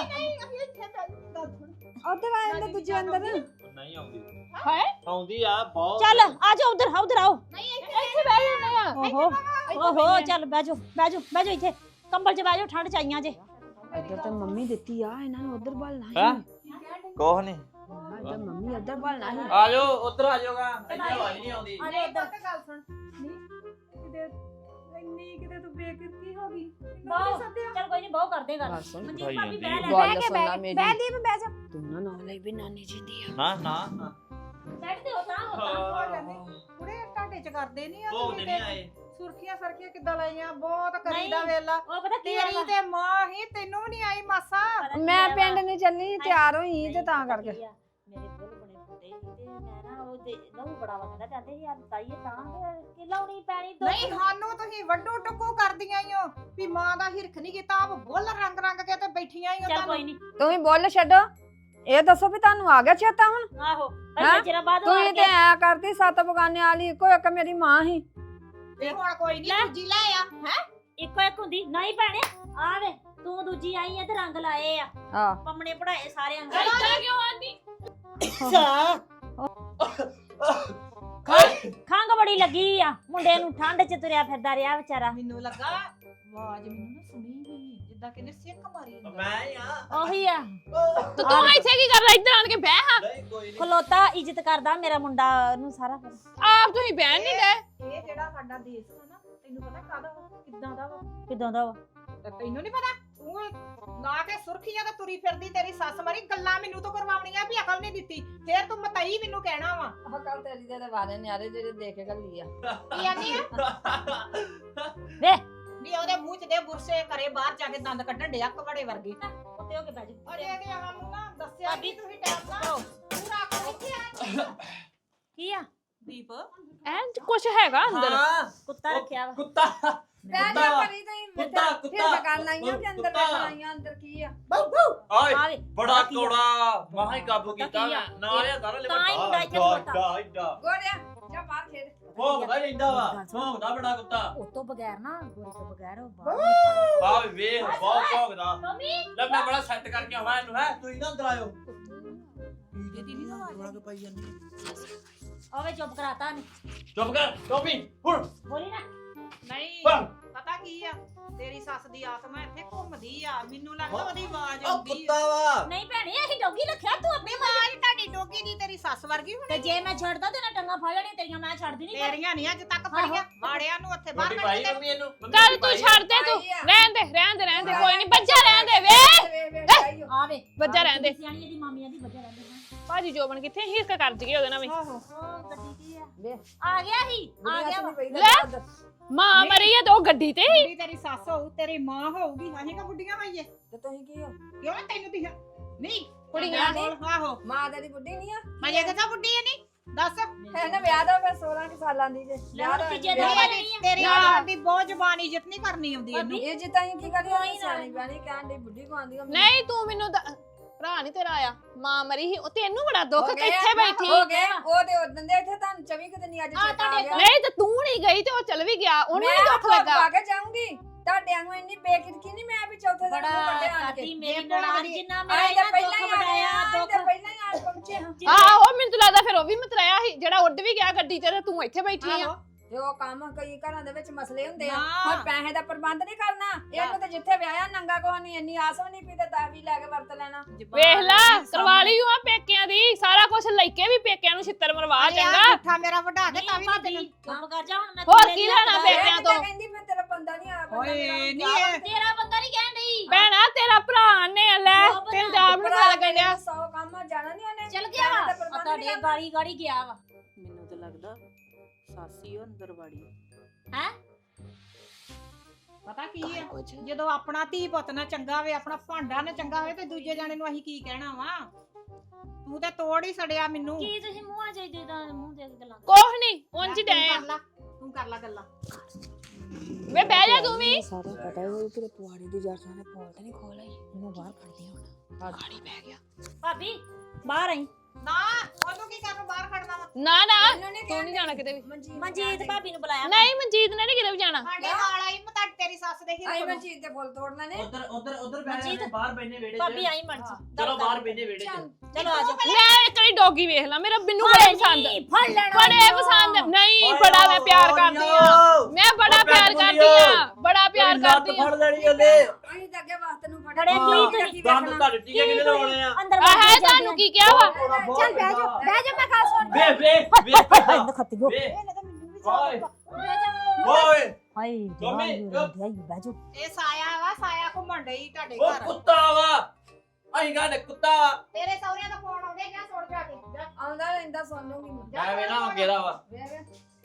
E: ਉਧਰ ਆ ਜਾਂਦੇ ਦੂਜੇ ਅੰਦਰ
F: ਨਹੀਂ ਆਉਂਦੀ
A: ਹਾਏ
F: ਆਉਂਦੀ ਆ ਬਹੁਤ
G: ਚੱਲ ਆਜੋ ਉਧਰ ਆਓ
B: ਨਹੀਂ ਇੱਥੇ ਬਹਿ ਜਾਂਦੇ ਆ
G: ਓਹੋ ਚੱਲ ਬਹਿ ਜਾਓ ਇੱਥੇ ਕੰਬਲ 'ਚ ਬਹਿ ਜਾਓ ਠੰਡ ਚ ਆਈਆਂ ਜੇ
E: ਇੱਧਰ ਤੇ ਮੰਮੀ ਦਿੱਤੀ ਆ ਇਹਨਾਂ ਨੂੰ ਉਧਰ ਬਲਣਾ
F: ਹੈ ਕੋਹ ਨਹੀਂ
E: ਇੱਧਰ ਮੰਮੀ ਉਧਰ ਬਲਣਾ ਸੀ
F: ਆ ਜਾਓ ਉੱਧਰ ਆ ਜਾਓਗਾ ਇੱਥੇ ਆਵਾਜ਼ ਨਹੀਂ ਆਉਂਦੀ
G: ਆਜੋ ਇੱਧਰ
B: ਗੱਲ ਸੁਣ ਕਿਤੇ ਇੰਨੀ ਕਿਤੇ ਤੂੰ ਬੇਕਿਰਕੀ ਹੋ ਗਈ
G: ਬਹੁ ਚੱਲ ਕੋਈ ਨਹੀਂ ਬਹੁ ਕਰਦੇ ਗੱਲ
E: ਗੱਲ ਸੁਣ
G: ਮਨਜੀਤ ਭਾਬੀ ਬਹਿ ਲੈ
E: ਗੱਲ ਸੁਣ ਲੈ ਮੇਰੀ
B: ਬਹਿ ਬਹਿ ਜਾ
E: ਤੂੰ ਨਾ ਨਾਲ ਲਈ ਵੀ ਨਾਨੀ ਜਿੰਦੀ ਆ
F: ਨਾ
G: ਬੈਠ ਤੇ ਹੋਤਾ
B: ਕੁੜੇ ਟਾਟੇ ਚ ਕਰਦੇ ਨਹੀਂ ਆ
F: ਉਹ ਨਹੀਂ ਆਏ
B: ਸੁਰਖੀਆਂ ਸਰਖੀਆਂ ਕਿੱਦਾਂ ਲਾਈਆਂ ਬਹੁਤ ਕਰੀਦਾ
G: ਨਹੀਂ।
B: ਵੇਲਾ
G: ਉਹ ਪਤਾ ਕੀ
B: ਤੇਰੀ ਤੇ ਮਾਂ ਹੀ ਤੈਨੂੰ ਵੀ ਨਹੀਂ ਆਈ ਮਾਸਾ
E: ਮੈਂ ਪਿੰਡ ਨੂੰ ਚੱਲੀ ਤਿਆਰ ਹੋਈ ਤੇ ਤਾਂ ਕਰਕੇ
G: ਮੇਰੇ ਕੋਲ ਬਣੇ ਫੁੱਟੇ ਸੀ ਤੇ ਮੈਂ ਨਾ ਉਹ ਲਹੂ ਬੜਾ ਵਗਦਾ ਜਾਂਦੇ ਯਾਰ ਤਾਈਏ ਤਾਂ ਕਿ ਲਾਉਣੀ ਪੈਣੀ
B: ਨਹੀਂ ਸਾਨੂੰ ਤੁਸੀਂ ਵੱਡੂ ਟੁੱਕੂ ਕਰਦੀਆਂ ਈ ਓ ਵੀ ਮਾਂ ਦਾ ਹਿਰਖ ਨਹੀਂ ਕੀਤਾ ਆਪ ਬੁੱਲ ਰੰਗ ਰੰਗ ਕੇ ਤੇ ਬੈਠੀਆਂ ਈ ਓ
G: ਚੱਲ ਕੋਈ ਨਹੀਂ
E: ਤੁਸੀਂ ਬੋਲ ਛੱਡੋ ਇਹ ਦੱਸੋ ਵੀ ਤੁਹਾਨੂੰ ਆ ਗਿਆ ਚੇਤਾ ਹੁਣ
G: ਆਹੋ
E: ਹੈਂ?
G: ਅੱਗੇ ਚਿਰ ਬਾਅਦ ਉਹ
E: ਤੁਸੀਂ
G: ਆਣ
E: ਤੇ
G: ਕੇ
E: ਐ ਕਰਦੀ ਸੱਤ ਬਗਾਨੇ ਵਾਲੀ ਇੱਕੋ ਇੱਕ ਮੇਰੀ ਮਾਂ ਸੀ
B: ਤੇ ਹੁਣ ਕੋਈ ਨਹੀਂ ਦੂਜੀ ਲੈ ਆ ਹੈ
G: ਇੱਕੋ ਇੱਕ ਹੁੰਦੀ ਨਹੀਂ ਭੈਣੇ ਆ ਵੇ ਤੂੰ ਦੂਜੀ ਆਈ ਆ ਤੇ ਰੰਗ ਲਾਏ ਆ
E: ਆ
G: ਪੰਮਣੇ ਪੜਾਏ ਸਾਰੇ ਅੰਗ
A: ਇਦਾਂ ਕਿਉਂ ਆਂਦੀ
G: ਖੰਗ ਬੜੀ ਲੱਗੀ ਆ ਮੁੰਡੇ ਨੂੰ ਠੰਡ ਚ ਤੁਰਿਆ ਫਿਰਦਾ ਰਿਹਾ ਵਿਚਾਰਾ
B: ਮੈਨੂੰ ਲੱਗਾ ਆਵਾਜ਼ ਮੈਨੂੰ ਨਾ ਸੁਣੀ ਨਹੀਂ ਜਿੱਦਾਂ ਕਿਨੇ ਸਿੱਕ ਮਾਰੀ ਹੁੰਦਾ।
F: ਮੈਂ ਹੀ ਆ
G: ਉਹੀ ਆ
A: ਤੇ ਤੂੰ ਇੱਥੇ ਕੀ ਕਰਦਾ ਇੱਧਰ ਆਣ ਕੇ ਬਹਿ ਹਾਂ
F: ਨਹੀਂ ਕੋਈ ਨਹੀਂ
G: ਖਲੋਤਾ ਇੱਜ਼ਤ ਕਰਦਾ ਮੇਰਾ ਮੁੰਡਾ ਨੂੰ ਸਾਰਾ ਪਤਾ
A: ਆਪ ਤੁਸੀਂ ਬਹਿਣ ਨਹੀਂ ਦੇ
B: ਇਹ ਜਿਹੜਾ ਸਾਡਾ ਦੇਸ਼ ਆ ਨਾ ਤੈਨੂੰ ਪਤਾ ਕਾਹਦਾ ਵਾ ਕਿੱਦਾਂ ਦਾ ਵਾ
G: ਕਿਦਾਂ ਦਾ ਵਾ
B: ਤੇ ਤੈਨੂੰ ਨਹੀਂ ਪਤਾ ਤੂੰ ਲਾ ਕੇ ਸੁਰਖੀਆਂ ਤੇ ਤੁਰੀ ਫਿਰਦੀ ਤੇਰੀ ਸੱਸ ਮਰੀ ਗੱਲਾਂ ਮੈਨੂੰ ਤੋਂ ਕਰਵਾਉਣੀਆਂ ਵੀ ਅਕਲ ਨਹੀਂ ਦਿੱਤੀ ਫੇਰ ਤੂੰ ਮਤਈ ਮੈਨੂੰ ਕਹਿਣਾ ਵਾ
E: ਆਹ ਕੱਲ ਤੇਰੀ ਦੇ ਵਾਰੇ ਨਿਆਰੇ ਜਿਹੜੇ ਦੇਖ ਕੇ ਗੱਲੀ ਆ
B: ਕੀ ਆਨੀ ਆ
G: ਵੇ
B: ਵੀ ਉਹਦੇ ਮੂੰਹ 'ਚ ਦੇ ਬੁਰਸੇ ਕਰੇ ਬਾਹਰ ਜਾ ਕੇ ਦੰਦ ਕੱਢਣ ਡਿਆ ਕਵੜੇ ਵਰਗੇ
G: ਉੱਤੇ ਹੋ ਕੇ ਬਹਿ ਜਾ
B: ਅਜੇ ਤੇ ਸਾਨੂੰ ਨਾ ਦੱਸਿਆ ਵੀ ਤੁਸੀਂ ਟਾਈਮ ਨਾਲ ਪੂਰਾ ਕਰੋ
G: ਕੀ ਆ
B: ਦੀਪ
A: ਐਂ ਕੁਛ ਹੈਗਾ ਅੰਦਰ
F: ਹਾਂ
G: ਕੁੱਤਾ ਰੱਖਿਆ ਵਾ
F: ਕੁੱਤਾ
E: ਬਹਿ ਜਾ ਕਰੀ ਤਈ
F: ਕੁੱਤਾ ਕੁੱਤਾ
E: ਕਰਨ ਆਈਆਂ ਕਿ ਅੰਦਰ
F: ਕੁੱਤਾ।
E: ਵੇਖਣ ਆਈਆਂ ਅੰਦਰ ਕੀ ਆ
F: ਆਏ
G: ਆਵੇ
F: ਬੜਾ ਕੌੜਾ ਮਹਾ ਹੀ ਕਾਬੂ
G: ਕੁੱਤਾ
F: ਕੀਤਾ
G: ਕੀ ਆ?
F: ਨਾ ਇਹ ਤਾਂ ਲੈ
G: ਤਾਂ ਹੀ ਮੁੰਡਾ ਇੱਥੇ ਖਲੋਤਾ।
F: ਇੱਡਾ
E: ਗੋਰਿਆ ਜਾ ਬਾਹਰ ਖੇਡ
F: ਭੌਂਕਦਾ ਰਹਿੰਦਾ ਵਾ ਭੌਂਕਦਾ ਬੜਾ ਕੁੱਤਾ
G: ਉਹ ਤੋਂ ਬਗੈਰ ਨਾ ਗੋਰੀ ਤੋਂ ਬਗੈਰ ਉਹ ਬਾਹਰ
F: ਆ ਵੇਖ ਬਹੁਤ ਭੌਂਕਦਾ
G: ਮੰਮੀ
F: ਲੈ ਮੈਂ ਬੜਾ ਸੈੱਟ ਕਰਕੇ ਆਵਾਂ ਇਹਨੂੰ ਹੈ ਤੁਸੀਂ ਨਾ ਅੰਦਰ ਆਇਓ
G: ਆਵੇ ਚੁੱਪ ਕਰਾਤਾ ਨੇ
F: ਚੁੱਪ ਕਰ ਟੋਪੀ ਹੁਣ
G: ਬੋਲੀ ਨਾ
B: ਨਹੀਂ
F: ਬੰਦ।
B: ਪਤਾ ਕੀ ਆ ਤੇਰੀ ਸੱਸ ਦੀ ਆਤਮਾ ਇੱਥੇ ਘੁੰਮਦੀ ਆ ਮੈਨੂੰ ਲੱਗਦਾ ਉਹਦੀ ਆਵਾਜ਼
F: ਉਹ
B: ਆਉਂਦੀ ਆ
F: ਕੁੱਤਾ ਵਾ
G: ਨਹੀਂ ਭੈਣੇ ਅਸੀਂ ਡੋਗੀ ਰੱਖਿਆ ਤੂੰ ਆਪਣੀ
B: ਆਵਾਜ਼ ਤੁਹਾਡੀ ਡੋਗੀ ਦੀ ਤੇਰੀ ਸੱਸ ਵਰਗੀ
G: ਤੇ
B: ਹੋਣੀ
G: ਜੇ ਮੈਂ ਛੱਡਦਾ ਤੇ ਨਾ ਟੰਗਾ ਫੜ ਲੈਣੀ ਤੇਰੀਆਂ ਮੈਂ ਛੱਡਦੀ ਨਹੀਂ
B: ਤੇਰੀਆਂ ਨਹੀਂ ਅੱਜ ਤੱਕ ਫੜੀਆਂ ਵਾੜਿਆਂ ਨੂੰ ਉੱਥੇ ਬਾਹਰ
F: ਰੋਟੀ
B: ਕੱਢ
F: ਪਾਈ
B: ਦੇ
F: ਮੰਮੀ ਇਹਨੂੰ
A: ਚੱਲ ਤੂੰ ਛੱਡ ਦੇ ਤੂੰ ਰਹਿਣ ਦੇ ਕੋਈ ਨਹੀਂ ਬੱਚਾ ਰਹਿਣ ਦੇ ਵੇ
G: ਆਵੇ
A: ਬੱਚਾ ਰਹਿਣ ਦੇ
G: ਸਿਆਣੀ ਇਹਦੀ ਮਾਮੀਆਂ ਦੀ ਵਜ੍ਹਾ ਰਹਿੰਦੇ ਹਾਂ
A: ਭਾਜੀ ਜੋਬਨ ਕਿੱਥੇ ਹਿਰਕ ਕਰ ਜਗੇ ਉਹਦੇ ਨਾਲ ਵੀ
B: ਆਹੋ
G: ਉਹ ਗੱਡੀ ਕੀ ਆ ਆ ਗਿਆ ਸੀ ਆ ਗਿਆ ਵਾ।
A: ਲੈ ਮਾਂ ਮਰੀ ਆ ਤੇ ਉਹ ਗੱਡੀ ਤੇ
B: ਜਿਹੜੀ ਤੇਰੀ ਸੱਸ ਹੋਊ ਤੇਰੀ ਮਾਂ ਹੋਊਗੀ ਅਸੀਂ ਕਾ ਬੁੱਢੀਆਂ ਹੋਈਏ
E: ਤੇ ਤੁਸੀਂ ਕੀ ਹੋ
B: ਕਿਉਂ ਤੈਨੂੰ ਦਿਖਾ ਨਹੀਂ
A: ਕੁੜੀਆਂ
B: ਬੋਲ, ਆਹੋ
E: ਮਾਂ ਤੇਰੀ ਬੁੱਢੀ ਨਹੀਂ ਆ
B: ਅਜੇ ਕਿਥਾ ਬੁੱਢੀ ਹੈ ਨਹੀਂ ਦੱਸ
E: ਹੈ ਨਾ ਵਿਆਹ ਦਾ ਫਿਰ 16 ਕੁ ਸਾਲਾਂ ਦੀ ਜੇ
G: ਲੈ ਹੁਣ ਤੀਜੇ ਦਿਨ
E: ਵਿਆਹ
G: ਬਣੀ ਆ।
B: ਤੇਰੀ ਆਦਤ ਦੀ ਬਹੁਤ ਜ਼ਬਾਨ ਇੱਜ਼ਤ ਨਹੀਂ ਕਰਨੀ ਆਉਂਦੀ ਇਹਨੂੰ
E: ਇਹ ਜਿੱਤਾਂ ਹੀ ਕੀ ਕਰੀ ਸਿਆਣੀ ਬਿਆਣੀ ਕਹਿਣ ਦੀ ਬੁੱਢੀ ਕਹਾਂਦੀ
A: ਨਹੀਂ ਤੂੰ ਮੈਨੂੰ ਭਰਾ ਨਹੀਂ ਤੇਰਾ ਆਇਆ ਮਾਂ ਮਰੀ ਸੀ ਉਹ ਤੈਨੂੰ ਬੜਾ ਦੁੱਖ
E: ਹੋ ਗਿਆ,
A: ਕਿੱਥੇ ਬੈਠੀ
E: ਹੋ ਗਏ ਉਹ ਤੇ ਉਦੋਂ ਦੇ ਇੱਥੇ ਤੁਹਾਨੂੰ 24 ਕੁ ਦਿਨ ਅੱਜ
G: ਆ
E: ਚੇਤਾ ਆ
G: ਤੁਹਾਡੇ
E: ਗਿਆ
A: ਨਹੀਂ ਤੇ ਤੂੰ ਨਹੀਂ ਗਈ ਤੇ ਉਹ ਚਲ ਵੀ ਗਿਆ ਉਹਨੂੰ ਨਹੀਂ ਦੁੱਖ ਲੱਗਾ
E: ਪਾ ਕੇ ਜਾਊਂਗੀ ਤੁਹਾਡੇ ਵਾਂਗੂ ਇੰਨੀ ਬੇਕਿਰਕੀ ਨਹੀਂ ਮੈਂ ਵੀ ਚੌਥੇ ਦਿਨ
G: ਬੜਾ
E: ਵੱਡੇ ਆਣ
G: ਕਾਤੀ
E: ਕੇ
G: ਮੇਰੀ
B: ਇਹ ਭਲਾ
G: ਨਨਾਣ
B: ਦੀ-
G: ਜਿੰਨਾ
E: ਆਏ
G: ਮੇਰਾ
E: ਤਾਂ
G: ਇਹਨਾਂ
E: ਪਹਿਲਾਂ
G: ਦੁੱਖ
E: ਹੀ
G: ਵਡਾਇਆ
E: ਆਏ
G: ਦੁੱਖ
E: ਤਾਂ ਪਹਿਲਾਂ ਹੀ ਆ ਪਹੁੰਚੇ ਹਾਂ
A: ਆਹੋ ਮੈਨੂੰ ਤਾਂ ਲੱਗਦਾ ਫਿਰ ਉਹ ਵੀ ਮਤਰਾਇਆ ਸੀ ਜਿਹੜਾ ਉੱਡ ਵੀ ਗਿਆ ਗੱਡੀ 'ਚ ਤੇ ਤੂੰ ਇੱਥੇ ਬੈਠੀ ਆ
B: ਆਹੋ
E: ਜੋ ਕੰਮ ਕਈ ਘਰਾਂ ਦੇ ਵਿੱਚ ਮਸਲੇ ਹੁੰਦੇ ਆ
B: ਨਾ।
E: ਹੁਣ ਪੈਸੇ ਦਾ ਪ੍ਰਬੰਧ ਨਹੀਂ ਕਰਨਾ ਇਹਨੂੰ ਤੇ ਜਿੱਥੇ ਵਿਆਹਿਆ ਨੰਗਾ ਕੋ ਨਹੀਂ ਇੰਨੀ ਆਸ ਵੀ ਨਹੀਂ ਪਈ ਤੇ ਦਾਵੀ ਲੈ ਕੇ ਵਰਤ ਲੈਣਾ
A: ਵੇਖ ਲਾ ਕਰਵਾ ਲਈ ਉਹ ਪੇਕਿਆਂ ਦੀ ਸਾਰਾ ਕੁਝ ਲੈ ਕੇ ਵੀ ਪੇਕਿਆਂ ਨੂੰ ਛਿੱਤਰ ਮਰਵਾ ਚੰਗਾ
B: ਮਿੱਠਾ ਮੇਰਾ ਵਢਾ ਕੇ ਤਾਂ ਵੀ ਮੈਂ
G: ਭਾਬੀ
B: ਤੈਨੂੰ
G: ਚੁੱਪ ਕਰ ਜਾ ਹੁਣ ਮੈਂ
A: ਹੋਰ
G: ਤੇਰੇ
A: ਕੀ
G: ਲਈ
A: ਲੈਣਾ
G: ਹੱਥ
A: ਪੇਕਿਆਂ
E: ਇਹ
A: ਤੋਂ?
E: ਤਾਂ ਕਹਿੰਦੀ ਮੈਂ ਤੇਰਾ ਬੰਦਾ ਨਹੀਂ ਆ ਬੰਦਾ
B: ਓਏ,
E: ਮੇਰਾ
B: ਨਹੀਂ ਇਹ-
G: ਤੇਰਾ ਬੰਦਾ ਨਹੀਂ ਕਹਿਣ ਡਈ
A: ਭੈਣਾ ਤੇਰਾ ਭਰਾ ਨੇ ਲੈ
G: ਉਹ ਬਣਾ-
A: ਤੈਨੂੰ ਜਾਬ ਨੂੰ ਪਤਾ ਲੱਗਣ ਡਿਆ
E: 100 ਕੰਮ ਆ, ਜਾਣਾ ਨਹੀਂ ਉਹਨੇ
G: ਚਲ ਗਿਆ ਵਾ
E: ਪੈਸੇ ਦਾ ਪ੍ਰਬੰਧ
G: ਤੁਹਾਡੇ
E: ਨਹੀਂ
G: ਗਾੜੀ ਗਾੜੀ ਗਿਆ ਵਾ
H: ਮੈਨੂੰ ਤਾਂ ਲੱਗਦਾ ਸਾਸੀ ਉਹ ਅੰਦਰ ਵਾੜੀ
G: ਹੈ
B: ਪਤਾ ਕੀ ਹੈ ਜਦੋਂ ਆਪਣਾ ਧੀ ਪੁੱਤ ਨਾ ਚੰਗਾ ਹੋਵੇ ਆਪਣਾ ਭਾਂਡਾ ਨਾ ਚੰਗਾ ਹੋਵੇ ਤੇ ਦੂਜੇ ਜਾਣੇ ਨੂੰ ਅਸੀਂ ਕੀ ਕਹਿਣਾ ਵਾ ਤੂੰ ਤੇ ਤੋੜ ਹੀ ਸੜਿਆ ਮੈਨੂੰ
G: ਕੀ ਤੁਸੀਂ ਮੂੰਹਾਂ ਚ ਇਦਾਂ ਮੂੰਹ ਦੇ ਗੱਲਾਂ
A: ਕੁਛ ਨਹੀਂ ਉਂਝ
B: ਤੂੰ
A: ਡੈ
B: ਕਰ ਲਾ, ਤੂੰ ਕਰ ਲਾ ਗੱਲਾਂ
A: ਵੇ ਬਹਿ ਜਾ ਤੂੰ ਵੀ
H: ਸਾਰਾ ਪਤਾ ਹੈ ਉਹ ਤੇਰੇ ਪੁਆੜੀ ਦੀ ਜੱਟ ਨੇ ਪੋਲ ਤੇ ਨਹੀਂ ਖੋਲ ਆਈ
G: ਮੈਂ ਬਾਹਰ ਖੜਦੀ ਹੁਣ
A: ਗਾੜੀ ਬਹਿ ਗਿਆ
G: ਭਾਬੀ ਬਾਹਰ ਆਈ
B: ਨਾ ਉਹਨੂੰ ਕੀ ਕਰਨ ਬਾਹਰ ਖੜਨਾ ਵਾ
A: ਨਾ ਨਾ
E: ਮੈਨੂੰ ਨਹੀਂ
A: ਤੂੰ ਨਹੀਂ ਜਾਣਾ ਕਿਤੇ ਵੀ
G: ਮਨਜੀਤ ਭਾਬੀ ਨੂੰ ਬੁਲਾਇਆ
A: ਨਹੀਂ ਮਨਜੀਤ ਨੇ ਨਹੀਂ ਕਿਤੇ ਵੀ ਜਾਣਾ
B: ਸਾਡੇ ਨਾਲ ਆਈ ਮੈਂ ਤਾਂ ਤੇਰੀ ਸੱਸ ਦੇ
E: ਆਈ
B: ਹਿਰਕ
E: ਮੈਂ
B: ਨੂੰ
E: ਚੀਜ਼ ਦੇ ਫੁੱਲ ਤੋੜ ਲੈਣੇ
F: ਉਧਰ ਬੈਠੇ
G: ਮਨਜੀਤ,
F: ਨੇ ਬਾਹਰ ਬੈਠੇ ਵਿਹੜੇ 'ਚ
G: ਭਾਬੀ ਆਈ ਮਰਜੀ
F: ਚਲੋ ਬਾਹਰ ਬੈਠੇ ਵਿਹੜੇ 'ਚ
G: ਚਲੋ ਆ ਜਾਓ
A: ਮੈਂ ਇੱਕ ਵਾਰੀ ਡੌਗੀ ਵੇਖ ਲਾ ਮੇਰਾ ਬਿੰਨੂ ਬੜਾ ਪਸੰਦ
G: ਫੜ ਲੈਣਾ
A: ਬੜੇ ਪਸੰਦ ਨਹੀਂ ਬੜਾ ਮੈਂ ਪਿਆਰ ਕਰਦੀ ਆ ਮੈਂ ਬੜਾ ਪਿਆਰ ਕਰਦੀ ਆ ਬੜਾ ਪਿਆਰ ਕਰਦੀ ਆ
F: ਫੜ ਲੈਣੀ ਉਹਨੇ
E: ਅਸੀਂ ਤਾਂ ਅੱਗੇ ਵਾਸਤੇ ਨੂੰ
G: ਫੜੇ ਕੀ
F: ਦੰਦ ਤੁਹਾਡੇ ਟੀਕੇ ਕਿਹਨੇ ਲਾਉਣੇ ਆ
G: ਅੰਦਰ
A: ਆਹ ਤੁਹਾਨੂੰ ਕੀ ਕਿਹਾ ਵਾ
E: ਚੱਲ ਬਹਿ ਜਾ ਮੈਂ ਗੱਲ ਸੁਣ
F: ਵੇ ਵੇ ਵੇ
G: ਖੱਤੀਓ
F: ਵੇ
E: ਇਹਨੇ ਤਾਂ ਮੈਨੂੰ ਵੀ
F: ਓਏ
E: ਬਹਿ ਜਾ
F: ਓਏ
G: ਹਾਏ
F: ਮੰਮੀ,
G: ਬੈਜੋ
B: ਇਹ ਸਾਇਆ ਵਾ ਸਾਇਆ ਘੁੰਮਣ ਡਈ ਤੁਹਾਡੇ
F: ਉਹ
B: ਘਰ
F: ਕੁੱਤਾ ਵਾ ਅਹੀਂ ਕਹਿੰਦੇ ਕੁੱਤਾ ਵਾ
B: ਤੇਰੇ ਸਹੁਰਿਆਂ ਦਾ ਫੋਨ ਆਉਂਦੇ ਜਾਂ ਸੁਣ ਜਾ ਕੇ ਜਾ।
E: ਆਉਂਦਾ ਰਹਿੰਦਾ ਸੁਣ ਲੂੰਗੀ ਮੈਂ
F: ਮੈਂ ਵੇਲਾ ਹੋ ਗਿਆ ਵਾ
E: ਵੇ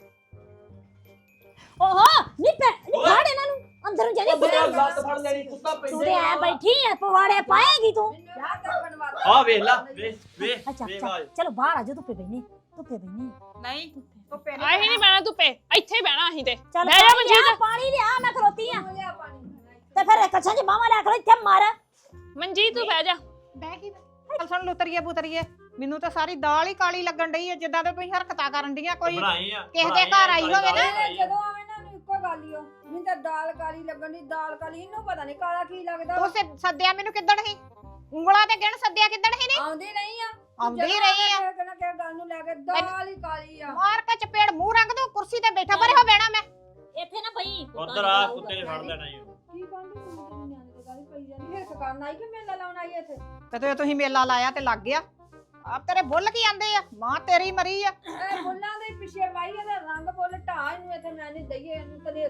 G: ਓਹੋ ਨਹੀਂ ਫੜ ਇਹਨਾਂ ਨੂੰ ਅੰਦਰ ਜਾਣੀ
F: ਮੇਰਾ ਲੱਤ ਫੜ ਲੈਣੀ ਕੁੱਤਾ
G: ਤੂੰ
F: ਪੈਂਦੇ
G: ਤੇ ਐ ਬੈਠੀ ਐ ਪਵਾੜੇ ਪਾਏਗੀ ਤੂੰ
E: ਜਾ ਤਾਂ ਬਣਵਾ
F: ਆ ਵੇਖ ਲਾ ਵੇ ਵੇ
G: ਅੱਛਾ
F: ਵੇ
G: ਅੱਛਾ
F: ਵਾਜ
G: ਚਲੋ ਬਾਹਰ ਆ ਜਾ ਧੁੱਪੇ ਬੈਣੀ ਧੁੱਪੇ ਬੈਣੀ
B: ਨਹੀਂ ਤੂੰ ਪਹਿਲੇ
A: ਆਹੀ ਨਹੀਂ ਬਹਿਣਾ ਧੁੱਪੇ ਇੱਥੇ ਹੀ ਬਹਿਣਾ ਅਸੀਂ ਤੇ
G: ਚੱਲ
A: ਬਹਿ ਜਾ ਮਨਜੀਤ
G: ਪਾਣੀ ਲਿਆ ਮੈਂ ਖਲੋਤੀ ਆ
E: ਲਿਆ ਪਾਣੀ
G: ਤੇ ਫਿਰ ਕੱਛਾਂ 'ਚ ਬਾਹਾਂ ਲੈ ਕੇ ਇੱਥੇ ਮਾਰ
A: ਮਨਜੀਤ ਤੂੰ ਬਹਿ ਜਾ
B: ਬਹਿ ਗਈ ਚੱਲ ਸੁਣ ਲੁਤਰੀਏ ਪੁਤਰੀਏ ਮੈਨੂੰ ਤਾਂ ਸਾਰੀ ਦਾਲ ਹੀ ਕਾਲੀ ਲੱਗਣ ਡਈ ਹੈ ਜਿੱਦਾਂ ਤੇ ਤੁਸੀਂ ਹਰਕਤਾਂ ਕਰਨ ਡੀਆਂ ਕੋਈ
F: ਬਣਾਈ ਆ
B: ਕਿਸੇ ਦੇ ਘਰ ਆਈ ਹੋਵੇ ਨਾ,
E: ਜਦੋਂ ਆਵੇਂ ਨਾ ਨੂੰ ਇੱਕੋ ਗੱਲ ਹੀ ਹੋ ਮੈਨੂੰ ਤਾਂ ਦਾਲ ਕਾਲੀ ਲੱਗਣ ਦੀ ਦਾਲ ਕਾਲੀ ਇਹਨੂੰ ਪਤਾ ਨਹੀਂ ਕਾਲਾ ਕੀ ਲੱਗਦਾ
B: ਤੂੰ ਸੱਦਿਆ ਮੈਨੂੰ ਕਿੱਦਣ ਸੀ ਉਂਗਲਾਂ ਤੇ ਗਿਣ ਸੱਦਿਆ ਕਿੱਦਣ ਸੀ ਨੇ
E: ਆਉਂਦੀ ਨਹੀਂ ਆ
B: ਆਉਂਦੀ ਹੀ ਰਹੀ ਆ
E: ਕਿਹਨਾਂ ਕਿ ਗੱਲ ਨੂੰ ਲੈ ਕੇ ਦਾਲ ਹੀ ਕਾਲੀ ਆ
B: ਮਾਰ ਕੇ ਚਪੇੜ ਮੂੰਹ ਰੰਗ ਦੋ ਕੁਰਸੀ ਤੇ ਬੈਠਾ ਪਰੇ ਹੋ ਬਹਿਣਾ ਮੈਂ
G: ਇੱਥੇ ਨਾ ਪਈ
F: ਉਧਰ ਆ ਕੁੱਤੇ ਨੇ ਫੜ ਲੈਣਾ ਈ ਓ।
E: ਕੀ ਕਹਿੰਦੀ ਮੈਨੂੰ ਤੇਰੀ ਨਿਆਣੇ ਤੇ ਗੱਲ ਪਈ ਜਾਂਦੀ ਹੈ ਕਰਨ ਆਈ ਕਿ ਮੇਲਾ ਲਾਉਣ ਆਈ ਇੱਥੇ
B: ਤੇ ਤੁਸੀਂ ਮੇਲਾ ਲਾਇਆ ਤੇ ਲੱਗ ਗਿਆ ਆ ਤੇਰੇ ਬੁੱਲ ਕੀ ਆਂਦੇ ਆ ਮਾਂ ਤੇਰੀ ਮਰੀ ਆ
E: ਇਹ ਫੁੱਲਾਂ ਦੇ ਪਿੱਛੇ ਪਾਈ ਇਹਦਾ ਰੰਗ ਫੁੱਲ ਢਾ ਇਹਨੂੰ ਇੱਥੇ ਮੈਂ ਨਹੀਂ ਦਈਏ ਇਹਨੂੰ ਤਲੇ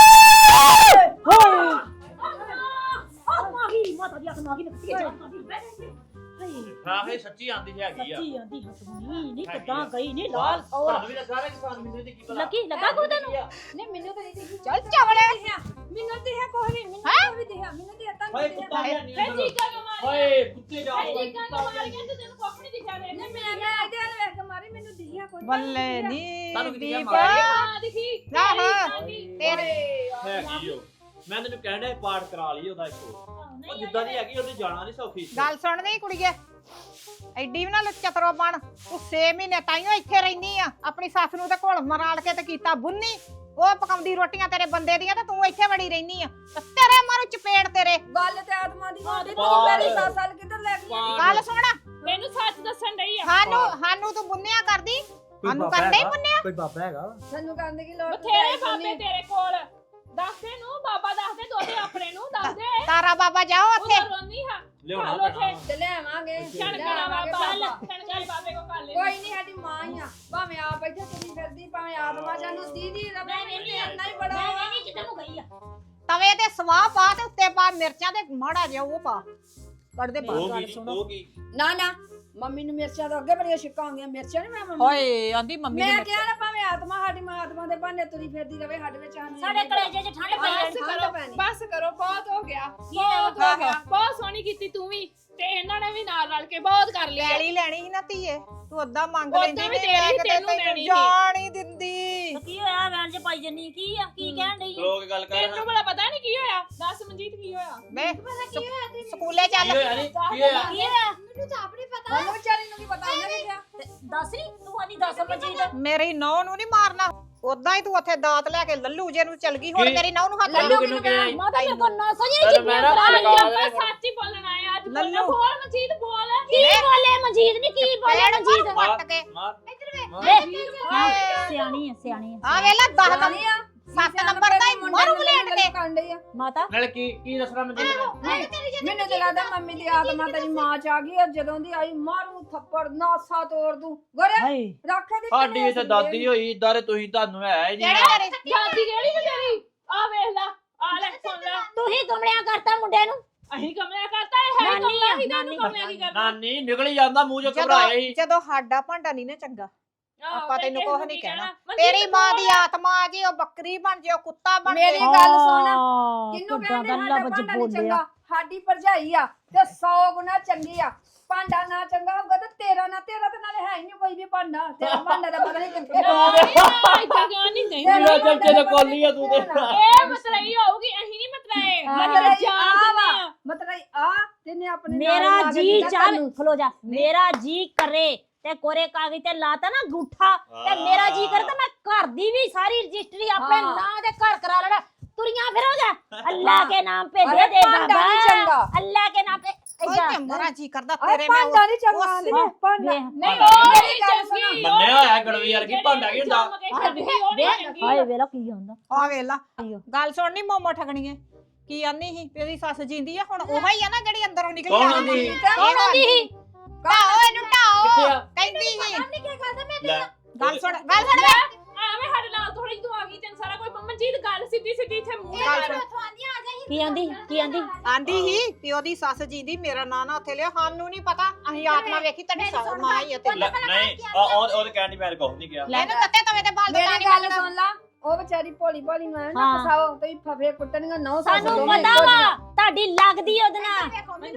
G: ਮਾਗੀ ਮਾਤਾ ਦੀ ਅੱਖ ਮਾਗੀ ਨਿਕਤੀ ਜਾ
F: ਹਾਂ ਇਹ ਸੱਚੀ ਆਂਦੀ ਹੈਗੀ ਆ
G: ਸੱਚੀ ਆਂਦੀ ਹਸੂਨੀ ਨਹੀਂ ਕਿੱਦਾਂ ਗਈ ਨਹੀਂ ਲਾਲ
F: ਤੁਹਾਨੂੰ ਵੀ ਲੱਗਾ ਰਿਹਾ ਕਿਸਾਨ ਮੈਨੂੰ ਇਹਦੀ ਕੀ ਪਤਾ
G: ਲੱਗੀ ਲੱਗਾ ਕੋ ਤੈਨੂੰ
E: ਨਹੀਂ ਮੈਨੂੰ ਤਾਂ ਨਹੀਂ ਦਿਖੀ
B: ਚੱਲ ਚਵੜੇ
E: ਮੈਨੂੰ ਤੇ ਹੈ ਕੋਈ ਨਹੀਂ ਮੈਨੂੰ ਕੋਈ ਦਿਖਿਆ ਮੈਨੂੰ ਤੇ ਤਾਂ
F: ਓਏ
E: ਨਹੀਂ
F: ਕੁੱਤਾ
E: ਦਿਖਿਆ
F: ਹੈ ਨਹੀਂ ਓਏ ਕੁੱਤੇ ਜਾ
A: ਤੈਨੂੰ ਕੁੱਖ ਨਹੀਂ ਦਿਖਿਆ ਦੇ
E: ਮੈਂ ਇਹਦੇ ਵੱਲ ਵੇਖ ਕੇ ਮਾਰੀ ਮੈਨੂੰ ਦਿਖਿਆ ਕੋਈ
B: ਬੱਲੇ ਨੀ
F: ਤੁਹਾਨੂੰ ਕੀ ਦਿਖਿਆ
B: ਦੀਪ
F: ਮਾਰਿਆ?
A: ਹਾਂ ਦਿਖੀ
B: ਆਹ ਤੇਰੇ
F: ਹੈਗੀ ਓ ਮੈਂ ਤੈਨੂੰ ਕਹਿਣ ਡਿਆ ਪਾਠ ਕਰਾ ਲਈ ਉਹਦਾ ਇੱਕੋ ਉਹ ਜਿੱਦਾਂ ਦੀ ਹੈਗੀ ਉਹਨੇ ਜਾਣਾ ਨਹੀਂ ਸੌਖੀ
B: ਗੱਲ ਸੁਣ ਨਹੀਂ ਕੁੜੀਏ ਐਡੀ ਵੀ ਨਾ ਚਤਰੋ ਬਣ ਤੂੰ 6 ਮਹੀਨੇ ਤਾਈਓ ਇੱਥੇ ਰਹਿਨੀ ਆ ਆਪਣੀ ਸੱਸ ਨੂੰ ਤੇ ਘੋਲ ਮਰਾਲ ਕੇ ਤੇ ਕੀਤਾ ਬੁੰਨੀ ਉਹ ਪਕਾਉਂਦੀ ਰੋਟੀਆਂ ਤੇਰੇ ਬੰਦੇ ਦੀਆਂ ਤੇ ਤੂੰ ਇੱਥੇ ਵੜੀ ਰਹਿਨੀ ਆ ਤੇ ਤੇਰੇ ਮਾਰੂ ਚਪੇੜ ਤੇਰੇ
E: ਗੱਲ ਤੇ ਆਤਮਾ ਦੀ ਹੋਦੀ ਤੂੰ
F: ਪਾਲ।
E: ਮੇਰੀ ਸਾਲ ਕਿੱਧਰ ਲੈ ਗਈ
B: ਗੱਲ ਸੁਣ
A: ਮੈਨੂੰ ਸੱਚ ਦੱਸਣ ਡਈ ਆ
B: ਸਾਨੂੰ ਤੂੰ ਬੁੰਨਿਆ ਕਰਦੀ ਸਾਨੂੰ ਕਰਦੇ ਹੀ ਬੁੰਨਿਆ
F: ਕੋਈ ਬਾਬਾ ਹੈਗਾ
E: ਸਾਨੂੰ ਕਰਨ ਦੀ ਲੋੜ
A: ਬਥੇਰੇ ਬਾਬੇ ਤੇਰੇ ਕੋਲ ਦੱਸਦੇ ਨੂੰ ਬਾਬਾ ਦੱਸਦੇ ਦੋਦੇ ਆਪਣੇ ਨੂੰ ਦੱਸਦੇ
B: ਤਾਰਾ ਬਾਬਾ ਜਾਓ ਉੱਥੇ
A: ਉਹ ਰੋਂਦੀ ਹਾਂ
F: ਲਿਆਉਣਾ
A: ਚੱਲ ਉੱਥੇ।
F: ਪੈਣਾ
E: ਤੇ ਲਿਆਵਾਂਗੇ
A: ਛਣਕਣਾ ਬਾਬਾ ਛਣਕਣਾ ਬਾਬੇ ਕੋ ਕਰ ਲੈ
E: ਕੋਈ ਨਹੀਂ ਸਾਡੀ ਮਾਂ ਹੀ ਆ ਭਾਵੇਂ ਆਪ ਇੱਥੇ ਤੁਰੀ ਫਿਰਦੀ ਭਾਵੇਂ ਆਤਮਾ ਜਾਨੂੰ ਦੀਦੀ ਰਵੇ ਨਹੀਂ ਇੰਨਾ ਹੀ ਬੜਾ ਵਾ।
G: ਨਹੀਂ ਕਿਤੇ ਨੂੰ ਗਈ ਆ
B: ਤਵੇ ਤੇ ਸਵਾਹ ਪਾ ਤੇ ਉੱਤੇ ਪਾ ਮਿਰਚਾਂ ਤੇ ਮਾੜਾ ਜਿਹਾ ਉਹ ਪਾ ਕੱਢਦੇ ਬਾਹਰ
F: ਹੋ
B: ਗੱਲ
F: ਗਈ
B: ਸੁਣੋ
F: ਹੋ ਗਈ
E: ਨਾ ਨਾ ਮੰਮੀ ਨੂੰ ਮਿਰਚਾਂ ਤੋਂ ਅੱਗੇ ਬੜੀਆਂ ਛਿੱਕਾਂ ਆਉਂਦੀਆਂ ਮਿਰਚਾਂ ਨਹੀਂ ਮੈਂ ਮੰਮੀ
B: ਹੋਏ ਆਂਦੀ ਮੰਮੀ
E: ਮੈਂ ਕਿਹਾ ਨਾ ਭਾਵੇਂ ਆਤਮਾ ਸਾਡੀ ਮਾਂ ਆਤਮਾ ਦੇ ਭਾਂਡੇ ਤੁਰੀ ਫਿਰਦੀ ਰਵੇ ਸਾਡੇ ਵਿੱਚ
G: ਸਾਡੇ ਕਲੇਜੇ 'ਚ ਠੰਡ ਪਈ
A: ਬਸ
G: ਆ।
A: ਕਰੋ ਬਸ ਕਰੋ ਬਹੁਤ ਹੋ ਗਿਆ ਬਹੁਤ ਹੋ ਗਿਆ ਬਹੁਤ ਸੋਹਣੀ ਕੀਤੀ ਤੂੰ ਵੀ ਤੇ ਇਹਨਾਂ ਨੇ ਵੀ ਨਾਲ ਰਲ ਕੇ ਬਹੁਤ ਕਰ ਲਿਆ
B: ਲੈਣੀ ਲੈਣੀ ਸੀ ਨਾ ਧੀਏ ਤੂੰ ਓਦਾਂ ਮੰਗ
A: ਓਦਾਂ
B: ਲੈਂਦੀ
A: ਵੀ
B: ਨੀ,
A: ਤੇਰੀ
B: ਮੈਂ ਕਿਤੇ
A: ਤੈਨੂੰ
B: ਤੈਨੂੰ
A: ਦੇਣੀ ਸੀ।
B: ਜਾਣ ਹੀ ਦਿੰਦੀ
G: ਤੇ ਕੀ ਹੋਇਆ ਵੈਨ 'ਚ ਪਾਈ ਜੰਨੀ ਕੀ ਆ ਕੀ ਕਹਿਣ ਡਈ ਆ?
F: ਲੋਕ ਗੱਲ ਕਰ
A: ਤੈਨੂੰ ਬੜਾ ਪਤਾ ਨਹੀਂ ਕੀ ਹੋਇਆ ਦੱਸ ਮਨਜੀਤ ਕੀ ਹੋਇਆ
B: ਵੇ ਸਕੂਲੇ ਚੱਲ
F: ਕੀ ਹੋਇਆ ਨੀ ਕੀ ਹੋਇਆ
G: ਕੀ ਹੋਇਆ
C: ਮੈਨੂੰ ਤਾਂ ਆਪਣੀ ਪਤਾ
E: ਉਹਨੂੰ ਵਿਚਾਰੀ ਨੂੰ ਕੀ ਪਤਾ ਉਹਨੇ ਕੀ ਕਿਹਾ
G: ਤੇ ਦੱਸ ਨੀ ਤੂੰ ਆਨੀ ਦੱਸ ਮਜੀਦ
B: ਮੇਰੀ ਨੌ ਨੂੰ ਨਹੀਂ ਮਾਰਨਾ ਉਦਾਂ ਹੀ ਤੂੰ ਉੱਥੇ ਦਾਤ ਲੈ ਕੇ ਲੱਲੂ ਜੇ ਨੂੰ ਚਲ ਗਈ ਹੁਣ
F: ਕੀ?
B: ਮੇਰੀ ਨੌ ਨੂੰ ਹੱਥ
F: ਲੱਲੂ
B: ਲਾ
F: ਕਿਹਨੂੰ ਕਿਹਾ ਸੀ?
G: ਮਾਤਾ ਮੇਰੇ ਕੋਲ ਨਾ ਸੋਝੀ
F: ਚੱਲ ਮੈਂ ਨਾ
A: ਅੱਜ
F: ਲਗਾ
A: ਆਪਾਂ
F: ਦੇ
A: ਸੱਚ ਹੀ ਬੋਲਣ ਆਏ ਆ, ਅੱਜ
B: ਲੱਲੂ।
A: ਬੋਲ ਮਨਜੀਤ ਬੋਲ
G: ਕੀ ਬੋਲੇ ਮਜੀਦ ਨੀ ਕੀ ਬੋਲੇ
B: ਪੈਣ
G: ਮਜੀਦ
B: ਮਾਰ ਵੱਟ ਕੇ
F: ਮਾਰ
G: ਸਿਆਣੀ ਆ
B: ਆ ਵੇਲਾ 10
E: ਜਾਣੀ ਆ
B: 7 ਨੰਬਰ ਦਾ ਹੀ ਮਾਰੂ ਬਲੇਡ ਕੇ
E: ਕਾਂਡੇ ਆ
G: ਮਾਤਾ
F: ਨਾਲ ਕੀ ਦੱਸਣਾ ਮੈਂ ਤੈਨੂੰ
E: ਮੈਨੂੰ ਤੇ ਲੱਗਦਾ ਮੰਮੀ ਦੀ ਆਤਮਾ ਤੇਰੀ ਮਾਂ ਚ ਆ ਗਈ ਆ ਜਦੋਂ ਦੀ ਆਈ ਮਾਰੂ ਥੱਪੜ ਨਾਸਾ ਤੋੜ ਦੂੰ ਗੋਰੇ
G: ਹਾਏ
E: ਰੱਖੇ ਦੀ
F: ਸਾਡੀ ਇੱਥੇ ਦਾਦੀ ਹੋਈ ਦਾਰੇ ਤੁਸੀਂ ਤੁਹਾਨੂੰ ਹੈ ਹੀ ਨਹੀਂ
B: ਜਿਹੜੇ ਤੇਰੇ
A: ਦਾਦੀ ਕਿਹੜੀ ਤੇ ਤੇਰੀ ਆ ਵੇਖ ਲੈ ਆ ਲੈ ਸੁਣ ਲੈ
G: ਤੂੰ ਹੀ ਕਮਲਿਆਂ ਕਰਤਾ ਮੁੰਡੇ ਨੂੰ
A: ਅਹੀਂ ਕਮਲਿਆ ਕਰਤਾ ਇਹ ਹੈ
G: ਨਾਨੀ
A: ਕਮਲਾ
G: ਆ,
A: ਹੀ ਤੈਨੂੰ
G: ਨਾਨੀ।
A: ਕਮਲਿਆ ਕੀ ਕਰਨਾ
F: ਨਾਨੀ ਨਿਕਲ ਹੀ ਜਾਂਦਾ ਮੂੰਹ ਚੋਂ ਘਬਰਾਏ ਹੀ
B: ਜਦੋਂ ਸਾਡਾ ਭਾਂਡਾ ਨਹੀਂ ਨਾ ਚੰਗਾ
A: ਆਹੋ,
B: ਆਪਾਂ
A: ਤੇ
B: ਤੈਨੂੰ
A: ਕਿਸੇ
B: ਕੁਛ
A: ਨੂੰ
B: ਨਹੀਂ
A: ਕੀ
B: ਕਹਿਣਾ।
A: ਮਨਜੀਤ
B: ਤੇਰੀ ਮਾਂ ਦੀ
A: ਬੋਲ।
B: ਆਤਮਾ ਆ ਜੇ ਉਹ ਬੱਕਰੀ ਬਣ ਜੇ ਉਹ ਕੁੱਤਾ ਬਣ
E: ਮੇਰੀ
B: ਜੇ
E: ਗੱਲ ਸੁਣ
G: ਕਿੰਨੂੰ
E: ਕਿੰਨੂੰ ਕਹਿੰਦੇ
G: ਕਹਿੰਦੇ
E: ਸਾਡਾ
G: ਲਫ਼ਜ਼
E: ਭਾਂਡਾ ਨੀ
G: ਬੋਲਿਆ
E: ਚੰਗਾ ਸਾਡੀ ਭਰਜਾਈ ਆ ਤੇ 100 ਗੁਣਾ ਚੰਗੀ ਆ ਭਾਂਡਾ ਨਾ ਚੰਗਾ ਹੋਊਗਾ ਤੇ ਤੇਰਾ ਤੇ ਨਾਲੇ ਹੈ ਹੀ ਨਹੀਂ ਕੋਈ ਵੀ ਭਾਂਡਾ ਤੇਰਾ ਭਾਂਡਾ ਦਾ ਪਤਾ ਨਹੀਂ ਕਿੱਥੇ
A: ਇੱਦਾਂ ਕਿਉਂ ਨਹੀਂ ਨਹੀਂ
F: ਮੇਰਾ ਚੱਚੇ ਦੇ ਕੋਲੀ ਆ ਤੂੰ ਤੇ
A: ਇਹ ਮਤਲਈ ਹੋਊਗੀ ਅਹੀਂ ਨਹੀਂ ਮਤਲਏ ਮਤਲਬ ਜਾਣ
E: ਮਤਲਬ ਆ ਤੈਨੇ ਆਪਣੇ ਨਾਲ
G: ਮੇਰਾ
E: ਲਾ ਕੇ
G: ਜੀ
E: ਦਿੱਤਾ
G: ਚੱਲ
E: ਤੈਨੂੰ।
G: ਖਲੋ ਜਾ ਮੇਰਾ ਜੀ ਕਰੇ ਤੇ ਕੋਰੇ ਕਾਗਜ਼ ਤੇ ਲਾਤਾ ਨਾ ਗੂਠਾ ਤੇ ਮੇਰਾ ਜੀ ਕਰੇ ਤਾਂ ਮੈਂ ਘਰ ਦੀ ਵੀ ਸਾਰੀ ਰਜਿਸਟਰੀ ਆਪਣੇ
E: ਹਾਂ।
G: ਨਾਂ ਦੇ ਘਰ ਕਰਾ ਲੈਣਾ ਤੁਰੀਆਂ ਫਿਰੋਗਾ ਅੱਲਾਹ ਕੇ ਨਾਮ पे
E: अरे
G: दे दे
E: भांडा
G: बाबा
E: नहीं चंगा।
G: अल्लाह के नाम पे
B: ਓਏ
G: ਏਦਾਂ।
B: ਤੇ ਮਰਾ ਜੀ ਕਰਦਾ
E: ਅਰੇ
B: ਤੇਰੇ ਮੈਂ
E: ਭਾਂਡਾ ਨਹੀਂ ਚੰਗਾ
B: ਉਸ-
E: ਆਂਦੀ ਨੇ ਭਾਂਡਾ
G: ਵੇਖ,
A: ਨਹੀਂ ਉਹ
E: ਮੇਰੀ
A: ਨਹੀਂ
E: ਗੱਲ
A: ਚੰਗੀ
F: ਮੰਨਿਆ ਹੋਇਆ ਗੜਵੀ ਵਰਗੀ ਭਾਂਡਾ ਕੀ ਹੁੰਦਾ
G: ਹਾਏ ਵੇਲਾ ਕੀ ਹੁੰਦਾ
B: ਆ ਵੇਲਾ ਗੱਲ ਸੁਣਨੀ ਮੋਮੋ ਠਗਣੀਏ ਕੀ ਆਨੀ ਸੀ ਤੇਰੀ ਸੱਸ ਜਿੰਦੀ ਆ ਹੁਣ ਉਹ ਹੀ ਆ ਨਾ ਜਿਹੜੀ ਅੰਦਰੋਂ ਨਿਕਲੀ
F: ਕੌਣ
B: ਆ
F: ਆਂਦੀ?
B: ਕੌਣ ਆਂਦੀ ਸੀ ਢਾਓ ਇਹਨੂੰ ਢਾਓ
F: ਕਿੱਥੇ ਆ?
B: ਕਹਿੰਦੀ ਸੀ
F: ਲੈ
B: ਗੱਲ ਸੁਣ ਵੇ
A: ਐਵੇਂ ਸਾਡੇ ਨਾਲ ਥੋੜੀ ਤੂੰ ਆ ਗਈ ਤੈਨੂੰ ਸਾਰਾ ਕੋਈ ਮਨਜੀਤ ਗੱਲ ਸਿੱਧੀ ਸਿੱਧੀ ਇੱਥੇ ਮੂੰਹ
B: ਗੱਲ
A: ਤੇ
B: ਸੁਣ
G: ਕੀ ਆਂਦੀ ਕੀ ਆਂਦੀ
B: ਆਂਦੀ ਸੀ ਵੀ ਉਹਦੀ ਸੱਸ ਜਿੰਦੀ ਮੇਰਾ ਨਾਂ ਨਾ ਉੱਥੇ ਲਿਆ ਸਾਨੂੰ ਨਹੀਂ ਪਤਾ ਅਸੀਂ ਆਤਮਾ ਵੇਖੀ ਤੁਹਾਡੀ ਸੱਸ ਮਾਂ ਹੀ ਆ ਤੇਰੀ
F: ਲੈ, ਨਹੀਂ ਉਹਦੇ ਕਹਿਣ ਦੀ ਮੈਂ ਕੁਝ ਨਹੀਂ ਕਿਹਾ
B: ਇਹਨੂੰ ਤੱਤੇ ਤਵੇ ਤੇ ਬਾਲ
E: ਮੇਰੀ
B: ਨਹੀਂ
E: ਗੱਲ
B: ਬਣਦਾ
E: ਸੁਣ ਲਾ ਉਹ ਵਿਚਾਰੀ ਭੋਲੀ ਭਾਲੀ ਨੂੰ ਐਂ ਨਾ
G: ਹਾਂ।
E: ਫਸਾਓ ਤੇ ਫਫੇ ਕੁੱਟਣੀਆਂ ਨੌ
G: ਸਾਨੂੰ ਪਤਾ ਵਾ ਤੁਹਾਡੀ ਲੱਗਦੀ ਉਹਦੇ ਨਾਲ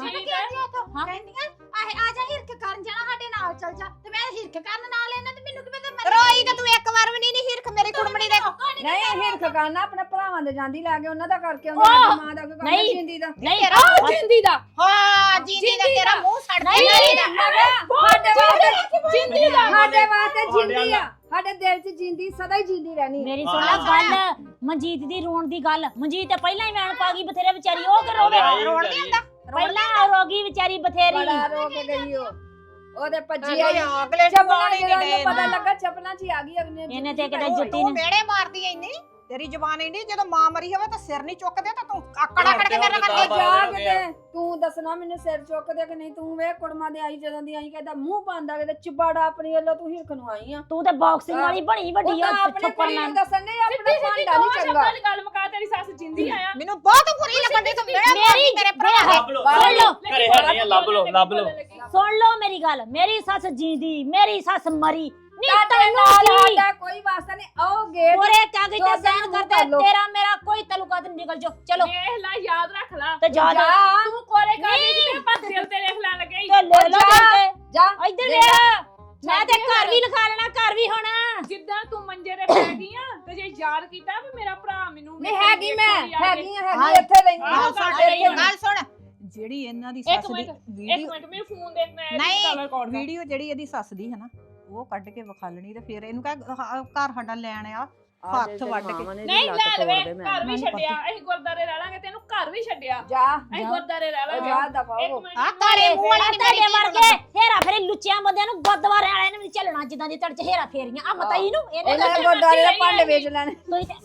C: ਆ ਜਾ ਹਿਰਖ ਕਰਨ ਜਾਣਾ ਸਾਡੇ ਨਾਲ ਚੱਲ ਜਾ ਤੇ ਮੈਂ ਹਿਰਖ ਕਰਨ ਨਾਲ ਇਹਨਾਂ ਤੇ ਮੈਨੂੰ ਕੀ ਪਤਾ
B: ਰੋਈ ਤੇ ਤੂੰ ਇੱਕ ਵਾਰ ਵੀ ਨਹੀਂ ਹਿਰਖ ਮੇਰੀ ਕੁੜਮਣੀ ਦੇ
E: ਨਹੀਂ ਹਿਰਖ ਕਰਨਾ ਆਪਣੇ ਭਰਾਵਾਂ ਦੇ ਜਾਂਦੀ ਲੈ ਕੇ ਉਹਨਾਂ ਦਾ ਕਰਕੇ ਆਉਂਦੀ ਸਾਡੀ ਮਾਂ ਦਾ ਕੋਈ ਕੰਮ
G: ਨਹੀਂ।
E: ਜਿੰਦੀ ਦਾ
G: ਨਹੀਂ
B: ਤੇਰਾ
A: ਜਿੰਦੀ ਦਾ
B: ਹਾਂ ਜਿੰਦੀ ਦਾ ਤੇਰਾ ਮੂੰਹ ਸੜਦਾ
G: ਨਹੀਂ,
B: ਨਹੀਂ
E: ਸਾਡੇ ਵਾਸਤੇ
A: ਜਿੰਦੀ ਦਾ
E: ਸਾਡੇ ਵਾਸਤੇ ਜਿੰਦੀ ਆ ਸਾਡੇ ਦਿਲ 'ਚ ਜਿੰਦੀ ਸਦਾ ਹੀ ਜਿੰਦੀ ਰਹਿਣੀ
G: ਮੇਰੀ ਸੁਣ ਲੈ ਗੱਲ ਮਨਜੀਤ ਦੀ ਰੋਣ ਦੀ ਗੱਲ ਮਨਜੀਤ ਤੇ ਪਹਿਲਾਂ ਹੀ ਵੈਣ ਪਾ ਗਈ ਬਥੇਰੇ ਵਿਚਾਰੀ ਉਹ ਕਿ ਰੋਵੇ
B: ਰੋਣ ਨਹੀਂ ਹੁੰਦਾ
G: ਪਹਿਲਾਂ ਰੋਗੀ ਵਿਚਾਰੀ ਬਥੇਰੀ
E: ਬੜਾ ਰੋ ਕੇ ਗਈ ਉਹ ਉਹਦੇ ਭੱਜੀ
B: ਅਰੇ
E: ਆਈ
B: ਅਗਲੇ
E: ਚਪਲਾਂ
B: ਜਵਾਨ ਹੀ
E: ਜਦੋਂ
B: ਨਹੀਂ
E: ਉਹਨੂੰ ਪਤਾ
B: ਦੇ
E: ਲੱਗਾ ਚਪਲਾਂ 'ਚ ਹੀ ਆ ਗਈ ਅਗਨੇ
G: ਇਹਨੇ ਤੇ ਕਿਤੇ ਜੁੱਤੀ
B: ਤੂੰ
G: ਨੇ
B: ਮੇੜੇ ਮਾਰਦੀ ਐ ਇੰਨੀ ਤੇਰੀ ਜ਼ਬਾਨ ਇੰਨੀ ਜਦੋਂ ਮਾਂ ਮਰੀ ਹੋਵੇ ਤਾਂ ਸਿਰ ਨਹੀਂ ਚੁੱਕਦੇ ਤਾਂ ਤੂੰ ਆਕੜਾ ਕੜ ਕੇ ਮੇਰੇ ਨਾਲ
E: ਜਾ
B: ਕਰਦੀ
E: ਕਿਤੇ ਤੂੰ ਦੱਸਣਾ ਮੈਨੂੰ ਸਿਰ ਚੁੱਕ ਦੇ ਕਿ ਨਹੀਂ ਤੂੰ ਵੇ ਕੁੜਮਾਂ ਦੇ ਆਈ ਜਦੋਂ ਦੀ ਆਈ ਕਹਿੰਦਾ ਮੂੰਹ ਪਾਉਂਦਾ ਕਿਤੇ ਚਪਾੜਾ ਆਪਣੀ ਵੱਲੋਂ ਤੂੰ ਹਿਰਖ ਨੂੰ ਆਈ ਆ
G: ਤੂੰ ਤੇ ਬਾਕਸਿੰਗ ਵਾਲੀ ਬਣੀ ਵੱਡੀ
E: ਉਹ
G: ਆ
E: ਤਾਂ ਆਪਣੇ
G: ਥੱਪੜ
E: ਕੁੜੀ
G: ਨਾਲ
E: ਨੂੰ ਦੱਸਣ ਨਹੀਂ ਆਪਣਾ
A: ਸਿੱਧੀ ਸਿੱਧੀ
E: ਭਾਂਡਾ
A: ਦੋ
E: ਨਹੀਂ ਚੰਗਾ
A: ਸ਼ਬਦਾਂ 'ਚ ਗੱਲ ਮੁਕਾ ਤੇਰੀ ਸੱਸ ਜਿੰਦੀ ਆਇਆ
B: ਮੈਨੂੰ ਬਹੁਤ ਬੁਰੀ ਲੱਗਦੀ ਤੂੰ ਮੇਰੇ ਮਾਰੀ ਮੇਰੇ ਭਰਾ ਦੇ
F: ਲੱਭ ਲੋ
G: ਸੁਣ ਲਓ
F: ਘਰੇ ਹੈ ਨਹੀਂ ਲੱਭ ਲੋ ਲੱਭ ਲੋ
G: ਸੁਣ ਲਓ ਮੇਰੀ ਗੱਲ ਮੇਰੀ ਸੱਸ ਜੀਂਦੀ ਮੇਰੀ ਸੱਸ ਮਰੀ ਨਹੀਂ
E: ਤੁਹਾਡੇ
G: ਤੈਨੂੰ
E: ਨਾਲ
G: ਕੀ
E: ਸਾਡਾ ਕੋਈ ਵਾਸਤਾ ਨਹੀਂ ਆਓ ਗੇਟ
G: ਪੂਰੇ ਕਾਗਜ਼
E: ਦੋ
G: ਤੇ
E: ਦਿਨ
G: ਸਾਈਨ
E: ਕਰ
G: ਕਰਦੇ
E: ਲਓ।
G: ਤੇਰਾ ਮੇਰਾ ਕੋਈ ਤਾਲੁਕਾਤ ਨਹੀਂ ਨਿਕਲ ਜਾਓ ਚਲੋ
A: ਵੇਖ ਲੈ ਯਾਦ ਰੱਖ ਲੈ
G: ਤੇ ਜਾ
E: ਜਾ
A: ਤੂੰ ਕੋਲੇ ਕਾਗਜ਼ ਤੇ ਆਪਾਂ ਦਿਲ ਤੇ ਲਿਖ ਲੈਣ ਲੱਗੇ ਈ।
G: ਤੇ ਲੈ ਲਓ
E: ਜਾ।
G: ਤੇ
E: ਜਾ
G: ਇੱਧਰ ਵੇਖ ਮੈਂ ਤੇ ਘਰ ਵੀ ਲਿਖਾ ਲੈਣਾ ਘਰ ਵੀ ਹੋਣਾ
A: ਜਿੱਦਾਂ ਤੂੰ ਮੰਜੇ ਤੇ ਪੈ ਗਈ ਆ ਤੇ ਜੇ ਯਾਦ ਕੀਤਾ ਵੀ ਮੇਰਾ ਭਰਾ ਮੈਨੂੰ
E: ਨਹੀਂ ਹੈਗੀ ਮੈਂ ਹੈਗੀ
B: ਹਾਂ,
E: ਇੱਥੇ ਲੈਂਦੀ
A: ਆਹੋ,
E: ਹਾਂ
A: ਸਾਡੇ
E: ਸਾਡੇ
A: ਇੱਥੇ
B: ਗੱਲ ਸੁਣ
H: ਜਿਹੜੀ ਇਹਨਾਂ ਦੀ
A: ਇੱਕ
H: ਸੱਸ ਦੀ
A: ਮਿੰਟ
H: ਵੀਡੀਓ
A: ਮੈਨੂੰ ਫੋਨ ਦੇ ਮੈਂ
B: ਨਹੀਂ,
A: ਕਲਰ ਕੋਡ
H: ਵੀਡੀਓ ਜਿਹੜੀ ਇਹਦੀ ਸੱਸ ਦੀ ਹੈ ਨਾ ਉਹ ਕੱਢ ਕੇ ਵਿਖਾਲਣੀ ਤੇ ਫਿਰ ਇਹਨੂੰ ਕਹ ਘਰ ਸਾਡਾ ਲੈਣ ਆ ਹੱਥ ਵੱਢ ਕੇ।
A: ਨਹੀਂ ਲੈ ਲਵੇ ਘਰ ਵੀ ਛੱਡਿਆ ਅਸੀਂ ਗੁਰਦਾਰੇ ਰਹਿ ਲਾਂਗੇ ਤੈਨੂੰ ਘਰ ਵੀ ਛੱਡਿਆ
E: ਜਾ
A: ਅਸੀਂ ਗੁਰਦਾਰੇ ਰਹਿ ਲਾਂਗੇ
E: ਜਾ ਦਫਾ
A: ਇੱਕ
E: ਹੋ
A: ਮਿੰਟ
B: ਆ ਤਾਰੇ ਮੂੰਹ ਵਾਲੀ ਨੀ ਮੇਰੀ
G: ਤੁਹਾਡੇ
B: ਧੀ ਨੂੰ
G: ਵਰਗੇ ਹੇਰਾ ਫੇਰੀ ਲੁੱਚਿਆਂ ਬੰਦਿਆਂ ਨੂੰ ਗੁਰਦੁਆਰੇ ਵਾਲਿਆਂ ਨੂੰ ਵੀ ਚੱਲਣਾ ਜਿੱਦਾਂ ਦੀ ਤੁਹਾਡੇ ਚ ਹੇਰਾ ਫੇਰੀਆਂ ਆ ਮਤਾਈ ਨੂੰ ਇਹਨੇ
E: ਇਹਨਾਂ
A: ਤਾਂ
E: ਗੁਰਦਾਰੇ ਦੇ ਭਾਂਡੇ ਵੇਚ ਲੈਣੇ
G: ਤੁਸੀਂ ਤੇ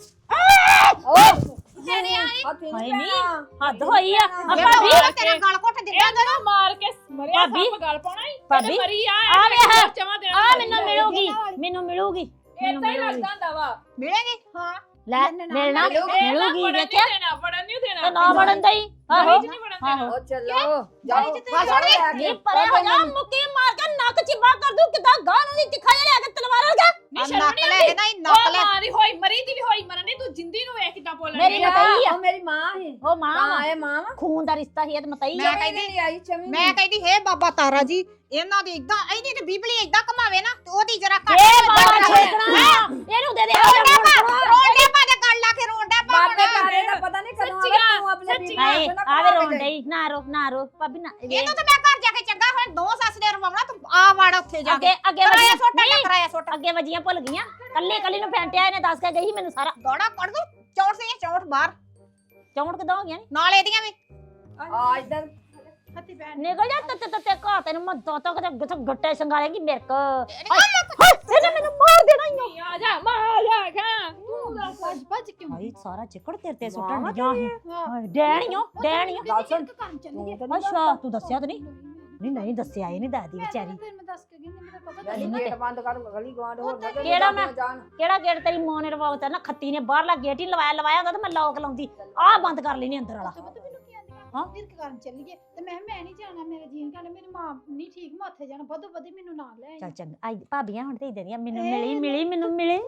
E: ਤੇਰੇ ਆਈ
G: ਹਾਏ ਨੀ ਹੱਦ ਹੋਈ ਆ
B: ਇਹ
G: ਭਾਬੀ
B: ਤਾਂ ਤੇਰਾ ਗਲ ਘੁੱਟ ਦਿੱਤਾ
A: ਇਹਨੂੰ ਮਾਰ ਕੇ ਮਰਿਆ
G: ਭਾਬੀ,
A: ਸੱਪ ਗੱਲ ਪਾਉਣਾ ਹੀ
G: ਭਾਬੀ,
A: ਮਰੀ ਆ
G: ਆ ਵੇਖ,
A: ਚਵਾ ਦੇਣਾ
G: ਆ ਮੈਨੂੰ ਮਿਲੂਗੀ ਮੈਨੂੰ ਮਿਲੂਗੀ ਮੈਨੂੰ
A: ਇਦਾਂ ਹੀ
G: ਮਿਲੂਗੀ
A: ਲੱਗਦਾ ਹੁੰਦਾ ਵਾ
B: ਮਿਲੇਗੀ ਹਾਂ
G: ਲੈ ਮਿਲਣਾ ਮਿਲੂਗੀ ਦੇਖਿਆ
A: ਵੜਨ ਨਹੀਂ ਦੇਣਾ
G: ਤੇ ਨਾ ਵੜਨ ਦਈ ਆਹੋ
A: ਨਹੀਂ ਵੜਨ ਦੇਣਾ
E: ਉਹ ਚੱਲੋ ਜਾਓ
G: ਨਹੀਂ ਪਰੇ ਹੋ ਜਾ ਮੁੱਕੀ ਮਾਰ ਕੇ ਨੱਕ ਚਿੱਬਾ ਕਰ ਦੂੰ ਕਿਦਾਂ ਗਾਂ ਨੂੰ ਦੀ ਤਿੱਖਾ ਜਿਹਾ ਲੈ ਕੇ ਤਲਵਾਰ ਲਗਾ
A: ਨਹੀਂ
B: ਨੱਕ
A: ਸ਼ਰਮ
B: ਲੈ
A: ਨਹੀਂ
B: ਕੇ ਨਾ ਨੱਕ ਲੈ
A: ਮਾਰੀ ਹੋਈ ਮਰੀ ਦੀ ਵੀ ਹੋਈ ਮਰਨ ਨਹੀਂ ਤੂੰ ਜਿੰਦੀ ਨੂੰ ਵੇਖ ਕਿਦਾਂ ਬੋਲਣ
G: ਮੇਰੀ
A: ਡਈ ਆ।
G: ਮਤਈ ਆ
E: ਉਹ ਮੇਰੀ ਮਾਂ ਹੈ
G: ਉਹ ਮਾਂ
E: ਤਾਂ
G: ਵਾ।
E: ਇਹ ਮਾਂ ਵਾ
G: ਖੂਨ ਦਾ ਰਿਸ਼ਤਾ ਹੀ ਇਹ ਤੇ ਮਤਈ
B: ਮੈਂ
G: ਆ
B: ਕਹਿੰਦੀ
E: ਨਹੀਂ ਆਈ ਚਮੀ
B: ਮੈਂ ਕਹਿੰਦੀ ਹੇ ਬਾਬਾ ਤਾਰਾ ਜੀ ਇਹਨਾਂ ਦੀ ਇਦਾਂ ਇਹਦੀ ਤੇ ਬੀਬਲੀ ਇਦਾਂ ਘਮਾਵੇ ਨਾ ਤੇ ਉਹਦੀ ਜਰਾ ਘੱਟ
G: ਏ ਬਾਬਾ ਛੇਕਣਾ ਇਹਨੂੰ ਦੇ ਦੇ
B: ਰੋਂਡੇ ਪਾ ਦੇ ਗੱਲ ਲਾ ਕੇ ਰੋਂਡਾ ਪਾ
E: ਬਾਬੇ ਤਾਰੇ ਦਾ ਪਤਾ ਨਹੀਂ ਕਦੋਂ ਆਵੇ ਤੂੰ ਆਪਣੇ ਬੀਬੀ
G: ਹਾਏ
E: ਨੂੰ
G: ਆਵੇ ਰੋਣ ਡਈ ਨਾ ਰੋ ਭਾਬੀ ਨਾ
B: ਇਹਨੂੰ ਤਾਂ ਮੈਂ ਘਰ ਜਾ ਕੇ ਚੰਗਾ ਹੁਣ ਦੋ ਸੱਸ ਦੇ ਰਵਾਉਣਾ ਤੂੰ ਆ ਵੜ ਉੱਥੇ ਜਾ ਕੇ
G: ਅੱਗੇ
B: ਕਰਾਇਆ
G: ਵਜੀਆਂ
B: ਸੋਟਾ
G: ਨਹੀਂ,
B: ਕਰਾਇਆ ਸੋਟਾ
G: ਅੱਗੇ ਵਜੀਆਂ ਭੁੱਲ ਗਈਆਂ ਕੱਲੀ ਨੂੰ ਫੈਂਟਿਆ ਇਹਨੇ ਦੱਸ ਕੇ ਗਈ ਸੀ ਮੈਨੂੰ ਸਾਰਾ
B: ਗੋੜਾ ਕੱਢ ਦੂੰ ਚੌੜ ਸੀ ਚੌੜ ਬਾਹਰ
G: ਚੌਂਟ ਕਿਦਾਂ ਹੋ ਗਿਆ ਨੀ
B: ਨਾਲ ਇਹਦੀਆਂ ਵੀ
E: ਆ ਇਧਰ
G: ਨਿਕਲ ਜਾ ਤੇ ਘਾ ਤੈਨੂੰ ਮੈਂ ਦੋ ਕਿਤੇ ਗੱਟੇ ਸੰਗਾਲੇਗੀ ਮੇਰੇ ਕੋ ਇਹਨੇ ਮੈਨੂੰ ਮਾਰ ਦੇਣਾ ਹੀ
A: ਆ ਜਾ ਮਾਰ ਜਾ ਖਾ ਤੂੰ ਦੱਸ
C: ਭੱਜ ਭੱਜ ਕਿਉਂ
G: ਭਾਈ ਸਾਰਾ ਚਿੱਕੜ ਤੇਰੇ ਤੇ ਸੁੱਟਣ ਡੀਆਂ ਸੀ ਡੈਣੀਓ
C: ਗੱਲ ਸੁਣ ਤੂੰ ਕਰਨ ਚੱਲੀ
G: ਅੱਛਾ ਤੂੰ ਦੱਸਿਆ ਤਾਂ ਨਹੀਂ ਦੱਸਿਆ ਇਹ ਨਹੀਂ ਦੱਸਦੀ ਵਿਚਾਰੀ
C: ਫਿਰ ਮੈਂ ਦੱਸ ਕੇ ਗਈ ਮੈਨੂੰ ਤਾਂ ਪਤਾ
E: ਨਹੀਂ ਗੇਟ ਬੰਦ ਕਰ ਗਲੀ ਗਵਾਂਡ ਹੋਰ ਨਾ
G: ਕਿਹੜਾ ਮੈਂ ਕਿਹੜਾ ਗੇਟ ਤੇਰੀ ਮਾਂ ਨੇ ਰਵਾਉਤਾ ਨਾ ਖੱਤੀ ਨੇ ਬਾਹਰਲਾ ਗੇਟ ਹੀ ਲਵਾਇਆ ਹੁੰਦਾ ਤੇ ਮੈਂ ਲੌਕ ਲਾਉਂਦੀ ਆਹ ਬੰਦ ਕਰ ਲੈਣੀ ਅੰਦਰ ਵਾਲਾ
C: ਪਤਾ ਮੈਨੂੰ ਕੀ ਆਂਦੀ
G: ਹਾਂ?
C: ਹਾਂ ਨਿਰਕ ਕਰਨ ਚੱਲੀਏ ਤੇ ਮੈਂ ਨਹੀਂ ਜਾਣਾ ਮੇਰੇ ਜੀਨ ਕਹਿੰਦੇ ਮੇਰੀ ਮਾਂ ਨਹੀਂ ਠੀਕ ਮੈਂ ਉੱਥੇ ਜਾਣਾ ਵਧੋ ਵਧੀ ਮੈਨੂੰ ਨਾਲ ਲੈ
G: ਚੱਲ ਚੰਗਾ ਆਈ ਭਾਬੀਆਂ ਹੁਣ ਤੇ ਇਦਾਂ ਦੀਆਂ ਮੈਨੂੰ ਮਿਲੀ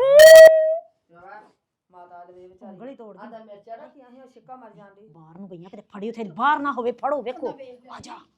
E: ਮਾਤਾ ਦੇ ਵਿਚਾਰੀ
G: ਉਂਗਲੀ ਤੋੜ
E: ਆਂਦਾ ਮਿਰਚਾਂ ਰੱਖੀਆਂ ਸੀ ਉਹ ਛਿੱਕਾ ਮਰ ਜਾਂਦੀ
G: ਬਾਹਰ ਨੂੰ ਗਈਆਂ ਕਿਤੇ ਫੜੀ ਉਥੇ ਬਾਹਰ ਨਾ ਹੋਵੇ ਫੜੋ ਵੇਖੋ ਆ ਜਾ